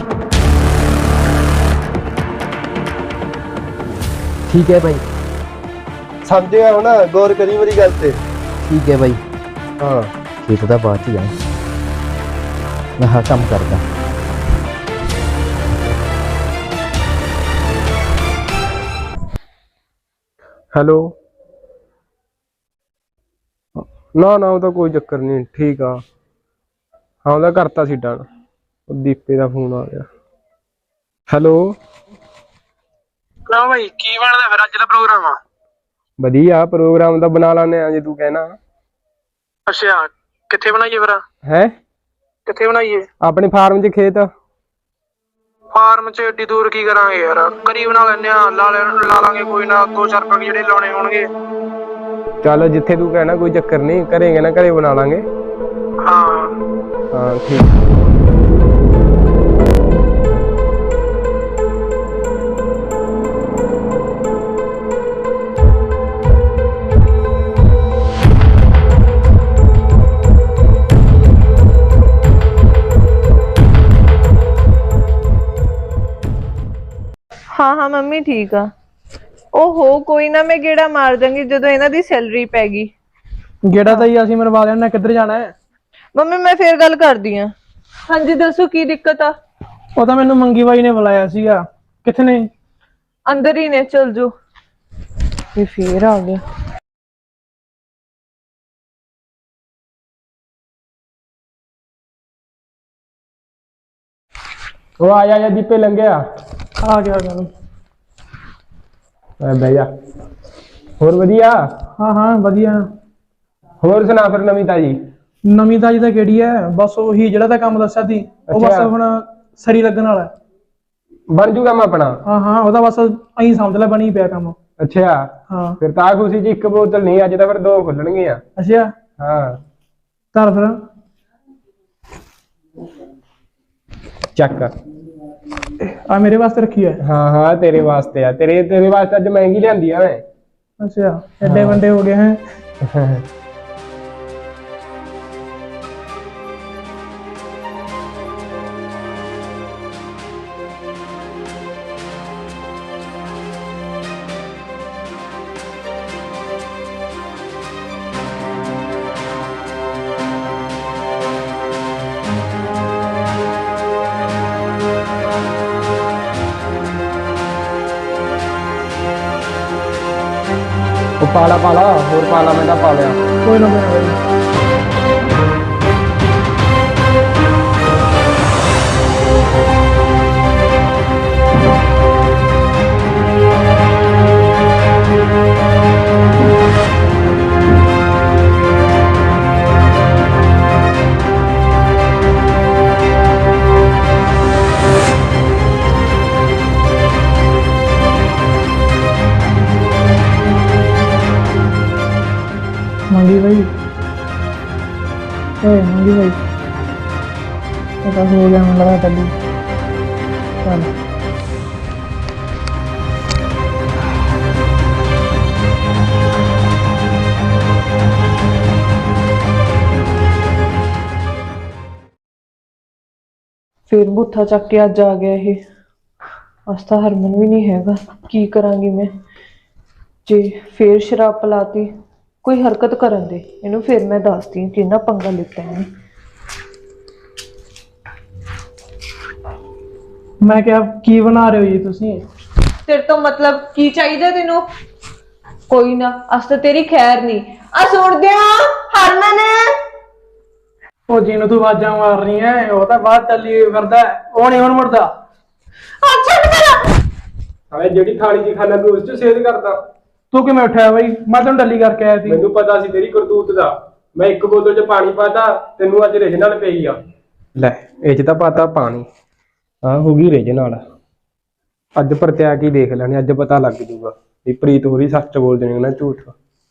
D: ਠੀਕ ਹੈ ਬਾਈ
F: ਸਮਝੇਗਾ ਹੁਣ ਗੌਰ ਕਰੀ ਮੇਰੀ ਗੱਲ ਤੇ।
D: ਠੀਕ ਹੈ ਬਾਈ।
F: ਹਾਂ
D: ਖੇਤ ਦਾ ਬਾਅਦ ਚ ਜਾਏ ਮੈਂ ਹਾਂ ਕੰਮ ਕਰਦਾ।
C: ਹੈਲੋ ਨਾ ਨਾ ਉਹਦਾ ਕੋਈ ਚੱਕਰ ਨਹੀਂ ਠੀਕ ਆ। ਹਾਂ ਉਹਦਾ ਕਰਤਾ ਸੀ ਡਨ। ਉਹ ਦੀਪੇ ਦਾ ਫੋਨ ਆ ਗਿਆ। ਹੈਲੋ
G: ਨਾ ਭਾਈ ਕੀ ਬਣਦਾ ਫਿਰ ਅੱਜ ਦਾ ਪ੍ਰੋਗਰਾਮ ਆ?
C: ਵਧੀਆ ਪ੍ਰੋਗਰਾਮ ਤਾਂ ਬਣਾ ਲਾਨੇ ਆ ਜੇ ਤੂੰ ਕਹਿਣਾ।
G: ਅੱਛਾ ਕਿੱਥੇ ਬਣਾਈਏ ਫਿਰ?
C: ਹੈ
G: ਕਿੱਥੇ ਬਣਾਈਏ?
C: ਆਪਣੇ ਫਾਰਮ 'ਚ ਖੇਤ।
G: ਫਾਰਮ 'ਚ ਏਡੀ ਦੂਰ ਕੀ ਕਰਾਂਗੇ ਯਾਰ? ਕਰੀ ਬਣਾ ਲੈਨੇ ਆ ਲਾ ਲੈ ਲਾ ਲਾਂਗੇ ਕੋਈ ਨਾ ਦੋ ਚਾਰ ਪੱਗ ਜਿਹੜੇ ਲਾਉਣੇ ਹੋਣਗੇ।
C: ਚੱਲ ਜਿੱਥੇ ਤੂੰ ਕਹਿਣਾ ਕੋਈ ਚੱਕਰ ਨਹੀਂ ਘਰੇ ਨਾ ਘਰੇ ਬਣਾ ਲਾਂਗੇ।
G: ਹਾਂ
C: ਹਾਂ ਠੀਕ।
B: ਹਾਂ ਹਾਂ ਮੰਮੀ ਠੀਕ ਆ। ਓਹੋ ਕੋਈ ਨਾ ਮੈਂ ਗੇੜਾ ਮਾਰ ਦਾਂਗੀ ਜਦੋਂ ਇਹਨਾਂ ਦੀ ਸੈਲਰੀ ਪੈ ਗਈ।
A: ਗੇੜਾ ਤਾਂ ਹੀ ਅਸੀਂ ਮਰਵਾ ਲੈਣਾ ਕਿੱਧਰ ਜਾਣਾ ਹੈ।
B: ਮੰਮੀ ਮੈਂ ਫੇਰ ਗੱਲ ਕਰਦੀ ਆ। ਹਾਂਜੀ ਦੱਸੋ ਕੀ ਦਿੱਕਤ ਆ?
A: ਉਹ ਤਾਂ ਮੈਨੂੰ ਮੰਗੀ ਬਾਈ ਨੇ ਬੁਲਾਇਆ ਸੀਗਾ। ਕਿੱਥੇ ਨੇ?
B: ਅੰਦਰ ਹੀ ਨੇ ਚਲ ਜੋ। ਇਹ ਫੇਰ ਆ ਗਿਆ।
C: ਉਹ ਆ ਜਾ ਦੀਪੇ ਲੰਘਿਆ।
A: ਆ ਗਿਆ ਆ ਗਿਆ ਬਈ।
C: ਐ ਬਹਿ ਜਾ। ਹੋਰ ਵਧੀਆ?
A: ਹਾਂ ਹਾਂ ਵਧੀਆ।
C: ਹੋਰ ਸੁਣਾ ਫਿਰ ਨਵੀਂ ਤਾਜੀ?
A: ਨਵੀਂ ਤਾਜੀ ਤਾਂ ਕਿਹੜੀ ਹੈ ਬਸ ਉਹੀ ਜਿਹੜਾ ਤਾਂ ਕੰਮ ਦੱਸਿਆ ਸੀ ਉਹ ਬਸ
C: ਅੱਛਾ।
A: ਹੁਣ ਸਰੀ ਲੱਗਣ ਵਾਲਾ ਹੈ।
C: ਬਣ ਜੂ ਕੰਮ ਆਪਣਾ?
A: ਹਾਂ ਹਾਂ ਉਹਦਾ ਬਸ ਐਂ ਸਮਝ ਲੈ ਬਣੀ ਪਿਆ ਕੰਮ।
C: ਅੱਛਾ
A: ਹਾਂ
C: ਫਿਰ ਤਾਂ ਖੁਸ਼ੀ ਚ ਇੱਕ ਬੋਤਲ ਨਹੀਂ ਅੱਜ ਤਾਂ ਫਿਰ ਦੋ ਖੁੱਲਣਗੀਆਂ।
A: ਅੱਛਾ
C: ਹਾਂ
A: ਚੱਲ ਫਿਰ।
C: ਚੱਕ
A: ਆ ਮੇਰੇ ਵਾਸਤੇ ਰੱਖੀ ਹੈ।
C: ਹਾਂ ਹਾਂ ਤੇਰੇ ਵਾਸਤੇ ਆ, ਤੇਰੇ ਤੇਰੇ ਵਾਸਤੇ ਅੱਜ ਮਹਿੰਗੀ ਲਿਆਂਦੀ ਆ ਮੈਂ।
A: ਅੱਛਾ ਐਡੇ ਵੱਡੇ ਹੋ ਗਏ ਹੈ।
C: ਉਹ ਪਾਲਾ ਪਾਲਾ ਹੋਰ ਪਾਲਾ ਮੈਂ ਤਾਂ ਪਾ ਲਿਆ।
A: ਕੋਈ ਨਾ ਕੋਈ ਨਾ ਬਾਈ। मंगी भाई ए मंगी भाई पता हो गया मुझे लगा तभी चल
B: फिर बूथा चक के अज आ गया ये। अज तो हरमन भी नहीं हैगा, की करांगी मैं जे फिर शराब पिलाती कोई हरकत करन दे इनू फिर मैं दसदी कि ना पंगा लिता है।
A: मैं क्या की बना रहे हो जी तुसी?
B: तेरे तो मतलब की चाहिए तेनू? कोई ना अस तो तेरी खैर नहीं। आ सुन दिया हरमन
A: ओ जी नु तू आवाजां मार रही है, ओ तो बाहर चली करदा है, ओ नहीं हुन मुड़दा।
B: अच्छा मेरा
C: ਸਾਲੇ ਜਿਹੜੀ ਥਾਲੀ ਦੀ ਖਾਣਾ ਤੂੰ ਉਸ ਚ ਸੇਧ ਕਰਦਾ।
A: तू किवें उठा भाई? मैं तेन डली करके आया थी।
C: ਮੈਨੂੰ ਪਤਾ ਸੀ ਤੇਰੀ ਕਰਤੂਤ ਦਾ। ਮੈਂ ਇੱਕ ਬੋਤਲ ਚ ਪਾਣੀ ਪਾਤਾ, ਤੈਨੂੰ ਅੱਜ ਰਿਜ ਨਾਲ ਪਈ ਆ। ਲੈ ਇਹ ਚ ਤਾਂ ਪਾਤਾ ਪਾਣੀ, ਆ ਹੋ ਗਈ ਰਿਜ ਨਾਲ। ਅੱਜ ਪਰਤਿਆ ਕੀ ਦੇਖ ਲੈਣੇ, ਅੱਜ ਪਤਾ ਲੱਗ ਜੂਗਾ ਵੀ ਪ੍ਰੀਤ ਹੋਰੀ ਸੱਚ ਬੋਲਦੇ ਨੇ ਨਾ ਝੂਠ।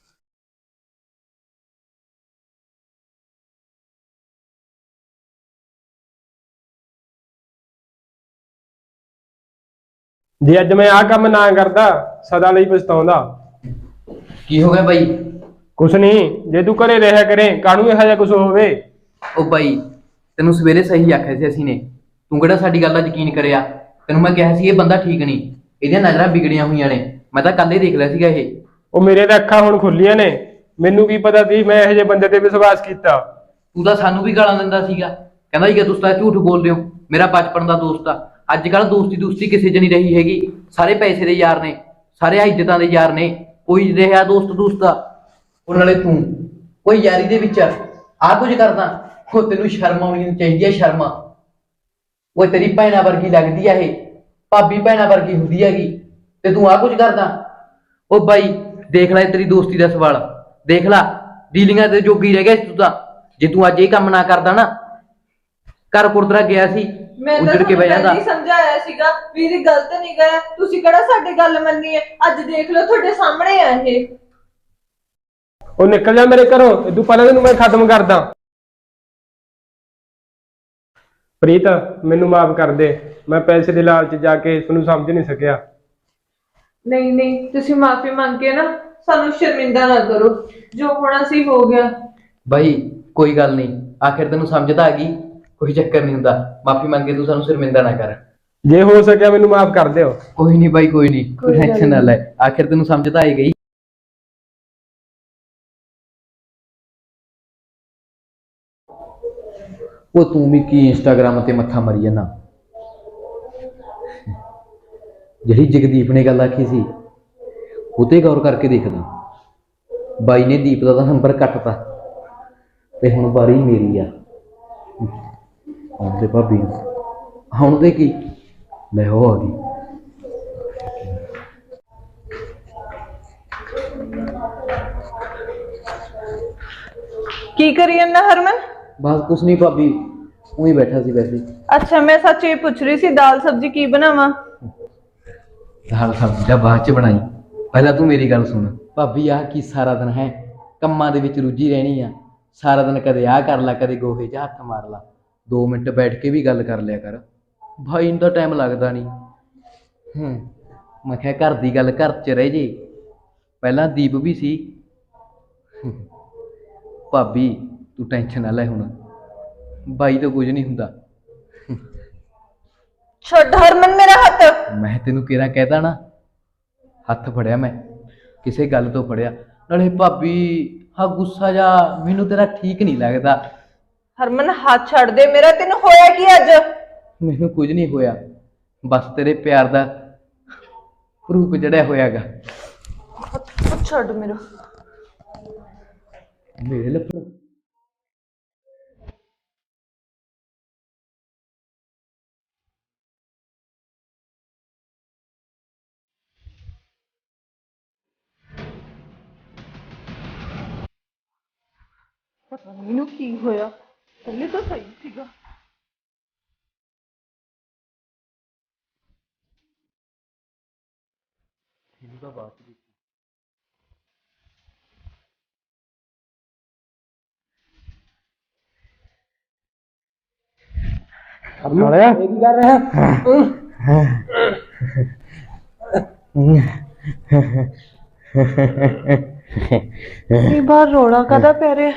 C: ਜੇ ਅੱਜ ਮੈਂ ਆਹ ਕੰਮ ਨਾ ਕਰਦਾ ਸਦਾ ਲਈ ਪਛਤਾਉਂਦਾ।
D: ਕੀ ਹੋ ਗਿਆ ਬਾਈ?
C: ਕੁਛ ਨਹੀਂ, ਜੇ ਤੂੰ ਘਰੇ ਰਿਹਾ ਕਰੇ ਕਾਹਨੂੰ ਇਹੋ ਜਿਹਾ ਕੁਛ ਹੋਵੇ।
D: ਉਹ ਬਾਈ ਤੈਨੂੰ ਸਵੇਰੇ ਸਹੀ ਆਖਿਆ ਸੀ ਅਸੀਂ ਨੇ, ਤੂੰ ਕਿਹੜਾ ਸਾਡੀ ਗੱਲ ਦਾ ਯਕੀਨ ਕਰਿਆ? ਤੈਨੂੰ ਮੈਂ ਕਿਹਾ ਸੀ ਇਹ ਬੰਦਾ ਠੀਕ ਨਹੀਂ, ਇਹਦੀਆਂ ਨਜ਼ਰਾਂ ਵਿਗੜੀਆਂ ਹੋਈਆਂ ਨੇ। ਮੈਂ ਤਾਂ ਕੱਲ ਹੀ ਦੇਖ ਲਿਆ ਸੀਗਾ ਇਹ।
C: ਉਹ ਮੇਰੇ ਤਾਂ ਅੱਖਾਂ ਹੁਣ ਖੁੱਲੀਆਂ ਨੇ, ਮੈਨੂੰ ਕੀ ਪਤਾ ਸੀ ਮੈਂ ਇਹੋ ਜਿਹੇ ਬੰਦੇ ਤੇ ਵਿਸ਼ਵਾਸ ਕੀਤਾ।
D: ਤੂੰ ਤਾਂ ਸਾਨੂੰ ਵੀ ਗਾਲਾਂ ਦਿੰਦਾ ਸੀਗਾ, ਕਹਿੰਦਾ ਸੀਗਾ ਤੁਸੀਂ ਤਾਂ ਝੂਠ ਬੋਲਦੇ ਹੋ, ਮੇਰਾ ਬਚਪਨ ਦਾ ਦੋਸਤ ਆ। ਅੱਜ ਕੱਲ ਦੋਸਤੀ ਦੋਸਤੀ ਕਿਸੇ 'ਚ ਨਹੀਂ ਰਹੀ ਹੈਗੀ, ਸਾਰੇ ਪੈਸੇ ਦੇ ਯਾਰ ਨੇ, ਸਾਰੇ ਇੱਜ਼ਤਾਂ ਦੇ ਯਾਰ ਨੇ, ਕੋਈ ਰਿਹਾ ਦੋਸਤ ਦੋਸਤ ਦਾ। ਉਹ ਨਾਲੇ ਤੂੰ ਕੋਈ ਯਾਰੀ ਦੇ ਵਿੱਚ ਆਹ ਕੁਝ ਕਰਦਾ, ਉਹ ਤੈਨੂੰ ਸ਼ਰਮ ਆਉਣੀ ਚਾਹੀਦੀ ਹੈ। ਸ਼ਰਮ ਉਹ ਤੇਰੀ ਭੈਣਾਂ ਵਰਗੀ ਲੱਗਦੀ ਆ, ਇਹ ਭਾਬੀ ਭੈਣਾਂ ਵਰਗੀ ਹੁੰਦੀ ਹੈਗੀ, ਤੇ ਤੂੰ ਆਹ ਕੁਝ ਕਰਦਾ। ਉਹ ਬਾਈ ਦੇਖ ਲੈ ਤੇਰੀ ਦੋਸਤੀ ਦਾ ਸਵਾਲ, ਦੇਖ ਲੈ ਡੀਲਿੰਗਾਂ ਤੇ ਜੋਗੀ ਰਹਿ ਗਿਆ ਤੂੰ ਤਾਂ। ਜੇ ਤੂੰ ਅੱਜ ਇਹ ਕੰਮ ਨਾ ਕਰਦਾ ਨਾ, ਘਰ ਕੁਰਦਰਾ ਗਿਆ ਸੀ
B: मैं तो
D: उजड़ के बह जाता।
B: समझाया सीगा वीर गलत नहीं गया, तुसी केड़ा साडी गल मन्नी है? अज देख लो तुहाडे सामने है ये।
C: ਉਹ ਨਿਕਲ ਜਾ ਮੇਰੇ ਘਰੋਂ, ਤੂੰ ਪਹਿਲਾਂ ਤੈਨੂੰ ਮੈਂ ਖਤਮ ਕਰਦਾ। ਪ੍ਰੀਤ ਮੈਨੂੰ ਮਾਫ ਕਰ ਦੇ, ਮੈਂ ਪੈਸੇ ਦੇ ਲਾਲਚ ਜਾ ਕੇ ਤੁਹਾਨੂੰ ਸਮਝ ਨਹੀਂ ਸਕਿਆ।
B: नहीं नहीं तुसी माफी मांग के ना सानू शर्मिंदा ना करो, जो होना सी हो गया।
D: ਬਾਈ ਕੋਈ ਗੱਲ ਨਹੀਂ, ਆਖਿਰ ਤੈਨੂੰ ਸਮਝ ਤਾਂ ਆ ਗਈ, ਕੋਈ ਚੱਕਰ ਨਹੀਂ ਹੁੰਦਾ। ਮਾਫੀ ਮੰਗੇ ਤੂੰ ਸਾਨੂੰ ਸ਼ਰਮਿੰਦਾ ਨਾ ਕਰ।
C: ਜੇ ਹੋ ਸਕਿਆ ਮੈਨੂੰ ਮਾਫ ਕਰ ਦਿਓ।
D: ਕੋਈ ਨਹੀਂ ਬਾਈ ਕੋਈ ਨਹੀਂ, ਤੂੰ ਟੈਨਸ਼ਨ ਨਾ ਲੈ, ਆਖਿਰ ਤੈਨੂੰ ਸਮਝ ਤਾਂ ਆਈ ਗਈ। ਉਹ ਤੂੰ ਵੀ ਕੀ ਇੰਸਟਾਗ੍ਰਾਮ ਤੇ ਮੱਥਾ ਮਾਰੀ ਜਾਂਦਾ? ਜਿਹੜੀ ਜਗਦੀਪ ਨੇ ਗੱਲ ਆਖੀ ਸੀ ਉਹ ਤੇ ਗੌਰ ਕਰਕੇ ਦੇਖਦਾ। ਬਾਈ ਨੇ ਦੀਪ ਦਾ ਤਾਂ ਨੰਬਰ ਕੱਟਤਾ ਤੇ ਹੁਣ ਵਾਰੀ ਮੇਰੀ ਆ। ਆਉਂਦੇ ਭਾਬੀ ਹੁਣ ਦੇ ਕੀ ਲੈ ਹੋ ਆ ਗਈ।
B: की करी ना हरमन?
D: बस कुछ नहीं भाभी, वही बैठा सी वैसे।
B: अच्छा मैं सच ये पूछ रही सी दाल सब्जी की बनावा?
D: दाल सब्जी दा बाद च बनाई, पहला तू मेरी गल सुन। भाभी आ की सारा दिन है ਕੰਮਾਂ ਦੇ ਵਿੱਚ ਰੁੱਝੀ ਰਹਿਣੀ ਆ, ਸਾਰਾ ਦਿਨ ਕਦੇ ਆਹ ਕਰ ਲਾ ਕਦੇ ਗੋਹੇ 'ਚ ਹੱਥ ਮਾਰ ਲਾ, ਦੋ ਮਿੰਟ ਬੈਠ ਕੇ ਵੀ ਗੱਲ ਕਰ ਲਿਆ ਕਰ। ਭਾਈ ਨੂੰ ਤਾਂ ਟਾਈਮ ਲੱਗਦਾ ਨਹੀਂ, ਹੂੰ ਮੈਂ ਕਿਹਾ ਘਰ ਦੀ ਗੱਲ ਘਰ 'ਚ ਰਹਿ ਜੇ। ਪਹਿਲਾਂ ਦੀਪ ਵੀ ਸੀ। ਭਾਬੀ ਤੂੰ ਟੈਨਸ਼ਨ ਨਾ ਲੈ ਹੁਣ, ਬਾਈ ਤੋਂ ਕੁਝ ਨਹੀਂ ਹੁੰਦਾ।
B: ਛੱਡ ਹਰਮਨ ਮੇਰਾ ਹੱਥ।
D: ਮੈਂ ਤੈਨੂੰ ਕਿਹੜਾ ਕਹਿਤਾ ਨਾ, ਹੱਥ ਫੜਿਆ ਮੈਂ, ਕਿਸੇ ਗੱਲ ਤੋਂ ਫੜਿਆ। ਨਾਲੇ ਭਾਬੀ ਹਾਂ ਗੁੱਸਾ ਜਾ ਮੈਨੂੰ ਤੇਰਾ ਠੀਕ ਨਹੀਂ ਲੱਗਦਾ।
B: ਹਰਮਨ ਹੱਥ ਛੱਡ ਦੇ ਮੇਰਾ, ਤੈਨੂੰ ਹੋਇਆ ਕੀ ਅੱਜ?
D: ਮੈਨੂੰ ਕੁਝ ਨਹੀਂ ਹੋਇਆ, ਬਸ ਤੇਰੇ ਪਿਆਰ ਦਾ ਰੂਪ ਜੜਿਆ ਹੋਇਆਗਾ।
B: ਹੱਥ ਛੱਡ ਮੇਰਾ।
D: ਮੇਰੇ ਲੱਪੜ
B: ਪਤਾ ਨਹੀਂ ਇਹਨੂੰ ਕੀ ਹੋਇਆ, ਪਹਿਲੇ ਤਾਂ ਸਹੀ ਸੀਗਾ।
F: ਸਾਲਿਆ
C: ਕੀ ਕਰ ਰਿਹਾ?
B: ਇਹ ਬਾਹਰ ਰੋਣਾ ਕਾਹਦਾ ਪੈ ਰਿਹਾ?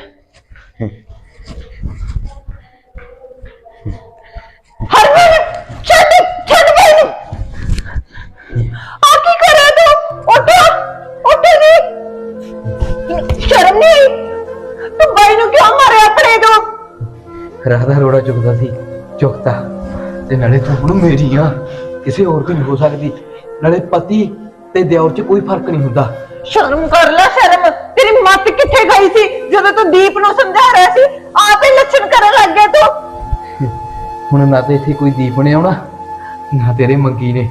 B: ਹਰਮਨ ਛੱਡ ਛੱਡ ਮੈਨੂੰ। ਆ ਕੀ ਕਰ ਰਿਹਾ ਤੂੰ? ਉੱਠ ਉੱਠ ਨਹੀਂ, ਸ਼ਰਮ ਨਹੀਂ ਆਈ? ਤੂੰ ਬਾਈ ਨੂੰ ਕਿਉਂ ਮਾਰਿਆ ਆਪਣੇ ਤੋਂ?
D: ਰਾਹ ਦਾ ਰੋੜਾ ਚੁੱਕਦਾ ਸੀ, ਚੁੱਕਤਾ। ਤੇ ਨਾਲੇ ਤੂੰ ਹੁਣ ਮੇਰੀ ਆ, ਕਿਸੇ ਹੋਰ ਦੀ ਨਹੀਂ ਹੋ ਸਕਦੀ। ਨਾਲੇ ਪਤੀ ਤੇ ਦਿਓਰ 'ਚ ਕੋਈ ਫਰਕ ਨਹੀਂ ਹੁੰਦਾ।
B: ਸ਼ਰਮ ਕਰ ਲੈ ਸ਼ਰਮ। ਤੇਰੀ ਮੱਤ ਕਿੱਥੇ ਗਈ ਸੀ ਜਦੋਂ ਤੂੰ ਦੀਪ ਨੂੰ ਸਮਝਾ ਰਿਹਾ ਸੀ? ਆਪੇ ਲੱਛਣ ਕਰਨ ਲੱਗ ਗਿਆ ਤੂੰ।
D: ਹੁਣ ਨਾ ਤੇ ਇੱਥੇ ਕੋਈ ਦੀਪ ਨੇ ਆਉਣਾ, ਨਾ ਤੇਰੇ ਮੰਗੀ ਨੇ।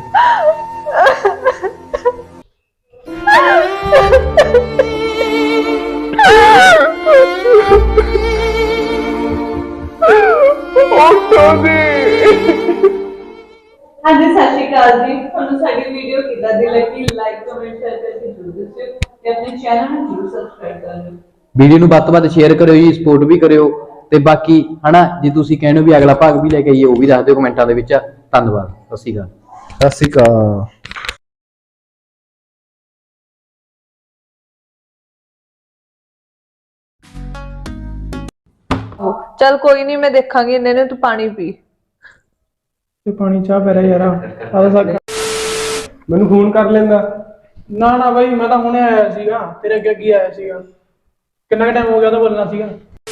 B: ਹਾਂਜੀ ਸਤਿ ਸ਼੍ਰੀ ਅਕਾਲ ਜੀ। ਤੁਹਾਨੂੰ ਸਾਡੀ ਵੀਡੀਓ ਕਿੱਦਾਂ ਦੀ ਲੱਗੀ? ਲਾਈਕ ਕਮੈਂਟ ਸ਼ੇਅਰ ਕਰਕੇ ਜ਼ਰੂਰ ਦੱਸਿਓ ਤੇ ਆਪਣੇ ਚੈਨਲ ਨੂੰ ਜ਼ਰੂਰ ਸਬਸਕ੍ਰਾਈਬ ਕਰ ਲਿਓ।
D: ਵੀਡੀਓ ਨੂੰ ਵੱਧ ਤੋਂ ਵੱਧ ਸ਼ੇਅਰ ਕਰਿਓ ਜੀ, ਸਪੋਰਟ ਵੀ ਕਰਿਓ। ਤੇ ਬਾਕੀ ਹਨਾ ਜੇ ਤੁਸੀਂ ਕਹਿੰਦੇ ਹੋ ਵੀ ਅਗਲਾ ਭਾਗ ਵੀ ਲੈ ਕੇ ਆਈਏ, ਉਹ ਵੀ ਦੱਸ ਦਿਓ ਕਮੈਂਟਾਂ ਦੇ ਵਿੱਚ। ਧੰਨਵਾਦ, ਸਤਿ ਸ਼੍ਰੀ ਅਕਾਲ।
F: ਸਤਿ ਸ਼੍ਰੀ ਅਕਾਲ।
B: ਚੱਲ ਕੋਈ ਨਹੀਂ, ਮੈਂ ਦੇਖਾਂਗੀ। ਇਹਨੇ ਨੂੰ ਤੂੰ ਪਾਣੀ ਪੀ।
A: ਤੇ ਪਾਣੀ ਚਾਹ ਪੈ ਰਿਹਾ ਯਾਰ। ਆਦਾ ਸਕ
C: ਮੈਨੂੰ ਫੋਨ ਕਰ ਲੈਂਦਾ।
A: ਨਾ ਨਾ ਬਾਈ, ਮੈਂ ਤਾਂ ਹੁਣੇ ਆਇਆ ਸੀਗਾ, ਤੇਰੇ ਅੱਗੇ ਅੱਗੇ ਆਇਆ ਸੀਗਾ। ਕਿੰਨਾ ਟਾਈਮ ਹੋ ਗਿਆ ਤਾਂ ਬੋਲਣਾ ਸੀਗਾ।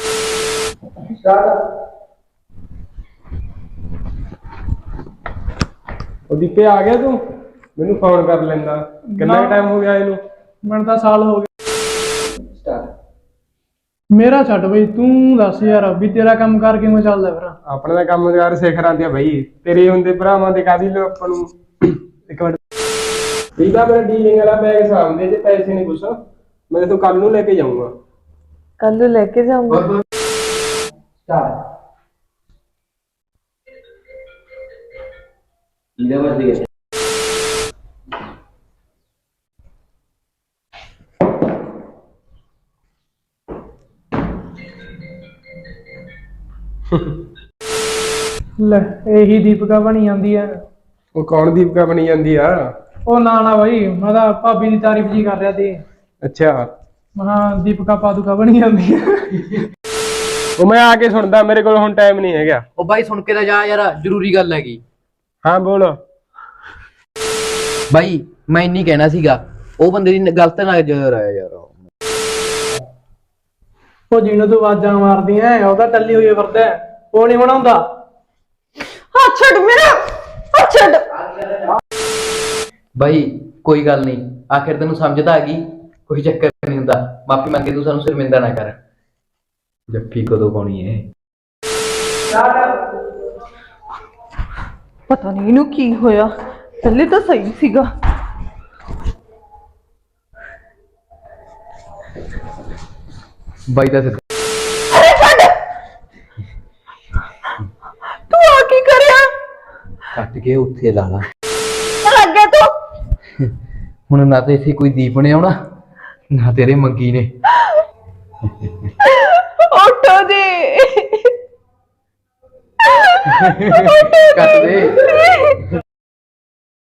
C: ਉਹ ਦੀਪੇ ਆ ਗਿਆ ਤੂੰ? ਮੈਨੂੰ ਫੋਨ ਕਰ ਲੈਂਦਾ। ਕਿੰਨਾ
A: ਨਾ।
C: ਟਾਈਮ ਹੋ ਗਿਆ ਇਹਨੂੰ?
A: ਮੈਨੂੰ ਤਾਂ ਸਾਲ ਹੋ ਗਿਆ। ਮੇਰਾ ਛੱਡ ਬਈ, ਤੂੰ ਦੱਸ ਯਾਰ ਵੀ ਤੇਰਾ ਕੰਮ ਕਰ ਕਿਵੇਂ ਚੱਲਦਾ ਫਿਰ?
C: ਆਪਣਾ ਤਾਂ ਕੰਮ ਯਾਰ ਸਿਖਰਾਂ ਤੇ ਬਈ, ਤੇਰੇ ਹੁੰਦੇ ਭਰਾਵਾਂ ਦੇ ਕਾਦੀ ਲੋ ਆਪਾਂ ਨੂੰ। ਇੱਕ ਮਿੰਟ, ਵੀਦਾ ਮੇਰਾ ਡੀਲਿੰਗ ਵਾਲਾ ਬੈਗ ਸਾਹਮਣੇ, ਜੇ ਪੈਸੇ ਨਹੀਂ ਕੁਛ ਮੈਂ ਤੂੰ ਕੱਲ ਨੂੰ ਲੈ ਕੇ ਜਾਊਂਗਾ।
B: ਕੱਲ ਨੂੰ ਲੈ ਕੇ ਜਾਊਂਗਾ।
D: ਇਹਦੇ ਵੱਲ
A: ਲੈ ਇਹੀ ਦੀਪਿਕਾ ਬਣੀ ਜਾਂਦੀ ਆ।
C: ਉਹ ਕੌਣ ਦੀਪਕਾ ਬਣੀ ਜਾਂਦੀ ਆ?
A: ਉਹ ਨਾ ਨਾ ਬਾਈ, ਮੈਂ ਤਾਂ ਭਾਬੀ ਦੀ ਤਾਰੀਫ ਜੀ ਕਰ ਰਿਹਾ ਸੀ।
C: ਅੱਛਾ,
A: ਮਹਾ ਦੀਪਿਕਾ ਪਾਦੂਕਾ ਬਣੀ ਜਾਂਦੀ ਆ।
C: ਉਹ ਮੈਂ ਆ ਕੇ ਸੁਣਦਾ, ਮੇਰੇ ਕੋਲ ਹੁਣ ਟਾਈਮ ਨਹੀਂ ਹੈਗਾ।
D: ਉਹ ਬਾਈ ਸੁਣ ਕੇ ਤਾਂ ਜਾ ਯਾਰ, ਜ਼ਰੂਰੀ ਗੱਲ ਹੈਗੀ।
C: ਹਾਂ ਬੋਲ।
D: ਬਾਈ ਮੈਂ ਇੰਨੀ ਕਹਿਣਾ ਸੀਗਾ, ਉਹ ਬੰਦੇ ਦੀ ਗਲਤ ਨਾ ਜਰ ਆਇਆ ਯਾਰ।
A: ਉਹ ਜਿਹਨੂੰ ਤੂੰ ਆਵਾਜ਼ਾਂ ਮਾਰਦੀਆਂ ਉਹਦਾ ਟੱਲੀ ਹੋਈ ਫਿਰਦਾ, ਉਹ ਨਹੀਂ ਬਣਾਉਂਦਾ।
B: ਹੱਥ ਛੱਡ ਮੇਰਾ, ਹੱਥ ਛੱਡ।
D: ਬਾਈ ਕੋਈ ਗੱਲ ਨਹੀਂ, ਆਖਿਰ ਤੈਨੂੰ ਸਮਝ ਤਾਂ ਆ ਗਈ, ਕੋਈ ਚੱਕਰ ਨਹੀਂ ਹੁੰਦਾ। ਮਾਫੀ ਮੰਗੇ, ਤੂੰ ਸਾਨੂੰ ਸ਼ਰਮਿੰਦਾ ਨਾ ਕਰ। ਜੱਫੀ ਕਦੋਂ ਪਾਉਣੀ ਹੈ?
B: ਪਤਾ ਨਹੀਂ ਇਹਨੂੰ ਕੀ ਹੋਇਆ, ਪਹਿਲੇ ਤਾਂ ਸਹੀ ਸੀਗਾ।
D: ਬਾਈ ਦਾ ਸਿੱਧਾ
B: ਅਰੇ ਛੱਡ, ਤੂੰ ਆ ਕੀ ਕਰਿਆ?
D: ਕੱਟ ਕੇ ਉੱਥੇ ਲਾ ਲਾ।
B: ਲੱਗ ਗਿਆ ਤੂੰ।
D: ਹੁਣ ਨਾ ਤੇ ਇੱਥੇ ਕੋਈ ਦੀਪ ਨੇ ਆਉਣਾ, ਨਾ ਤੇਰੇ ਮੰਗੀ ਨੇ।
B: ਉੱਠੋ ਜੀ।
D: ਕੱਟ ਦੇ।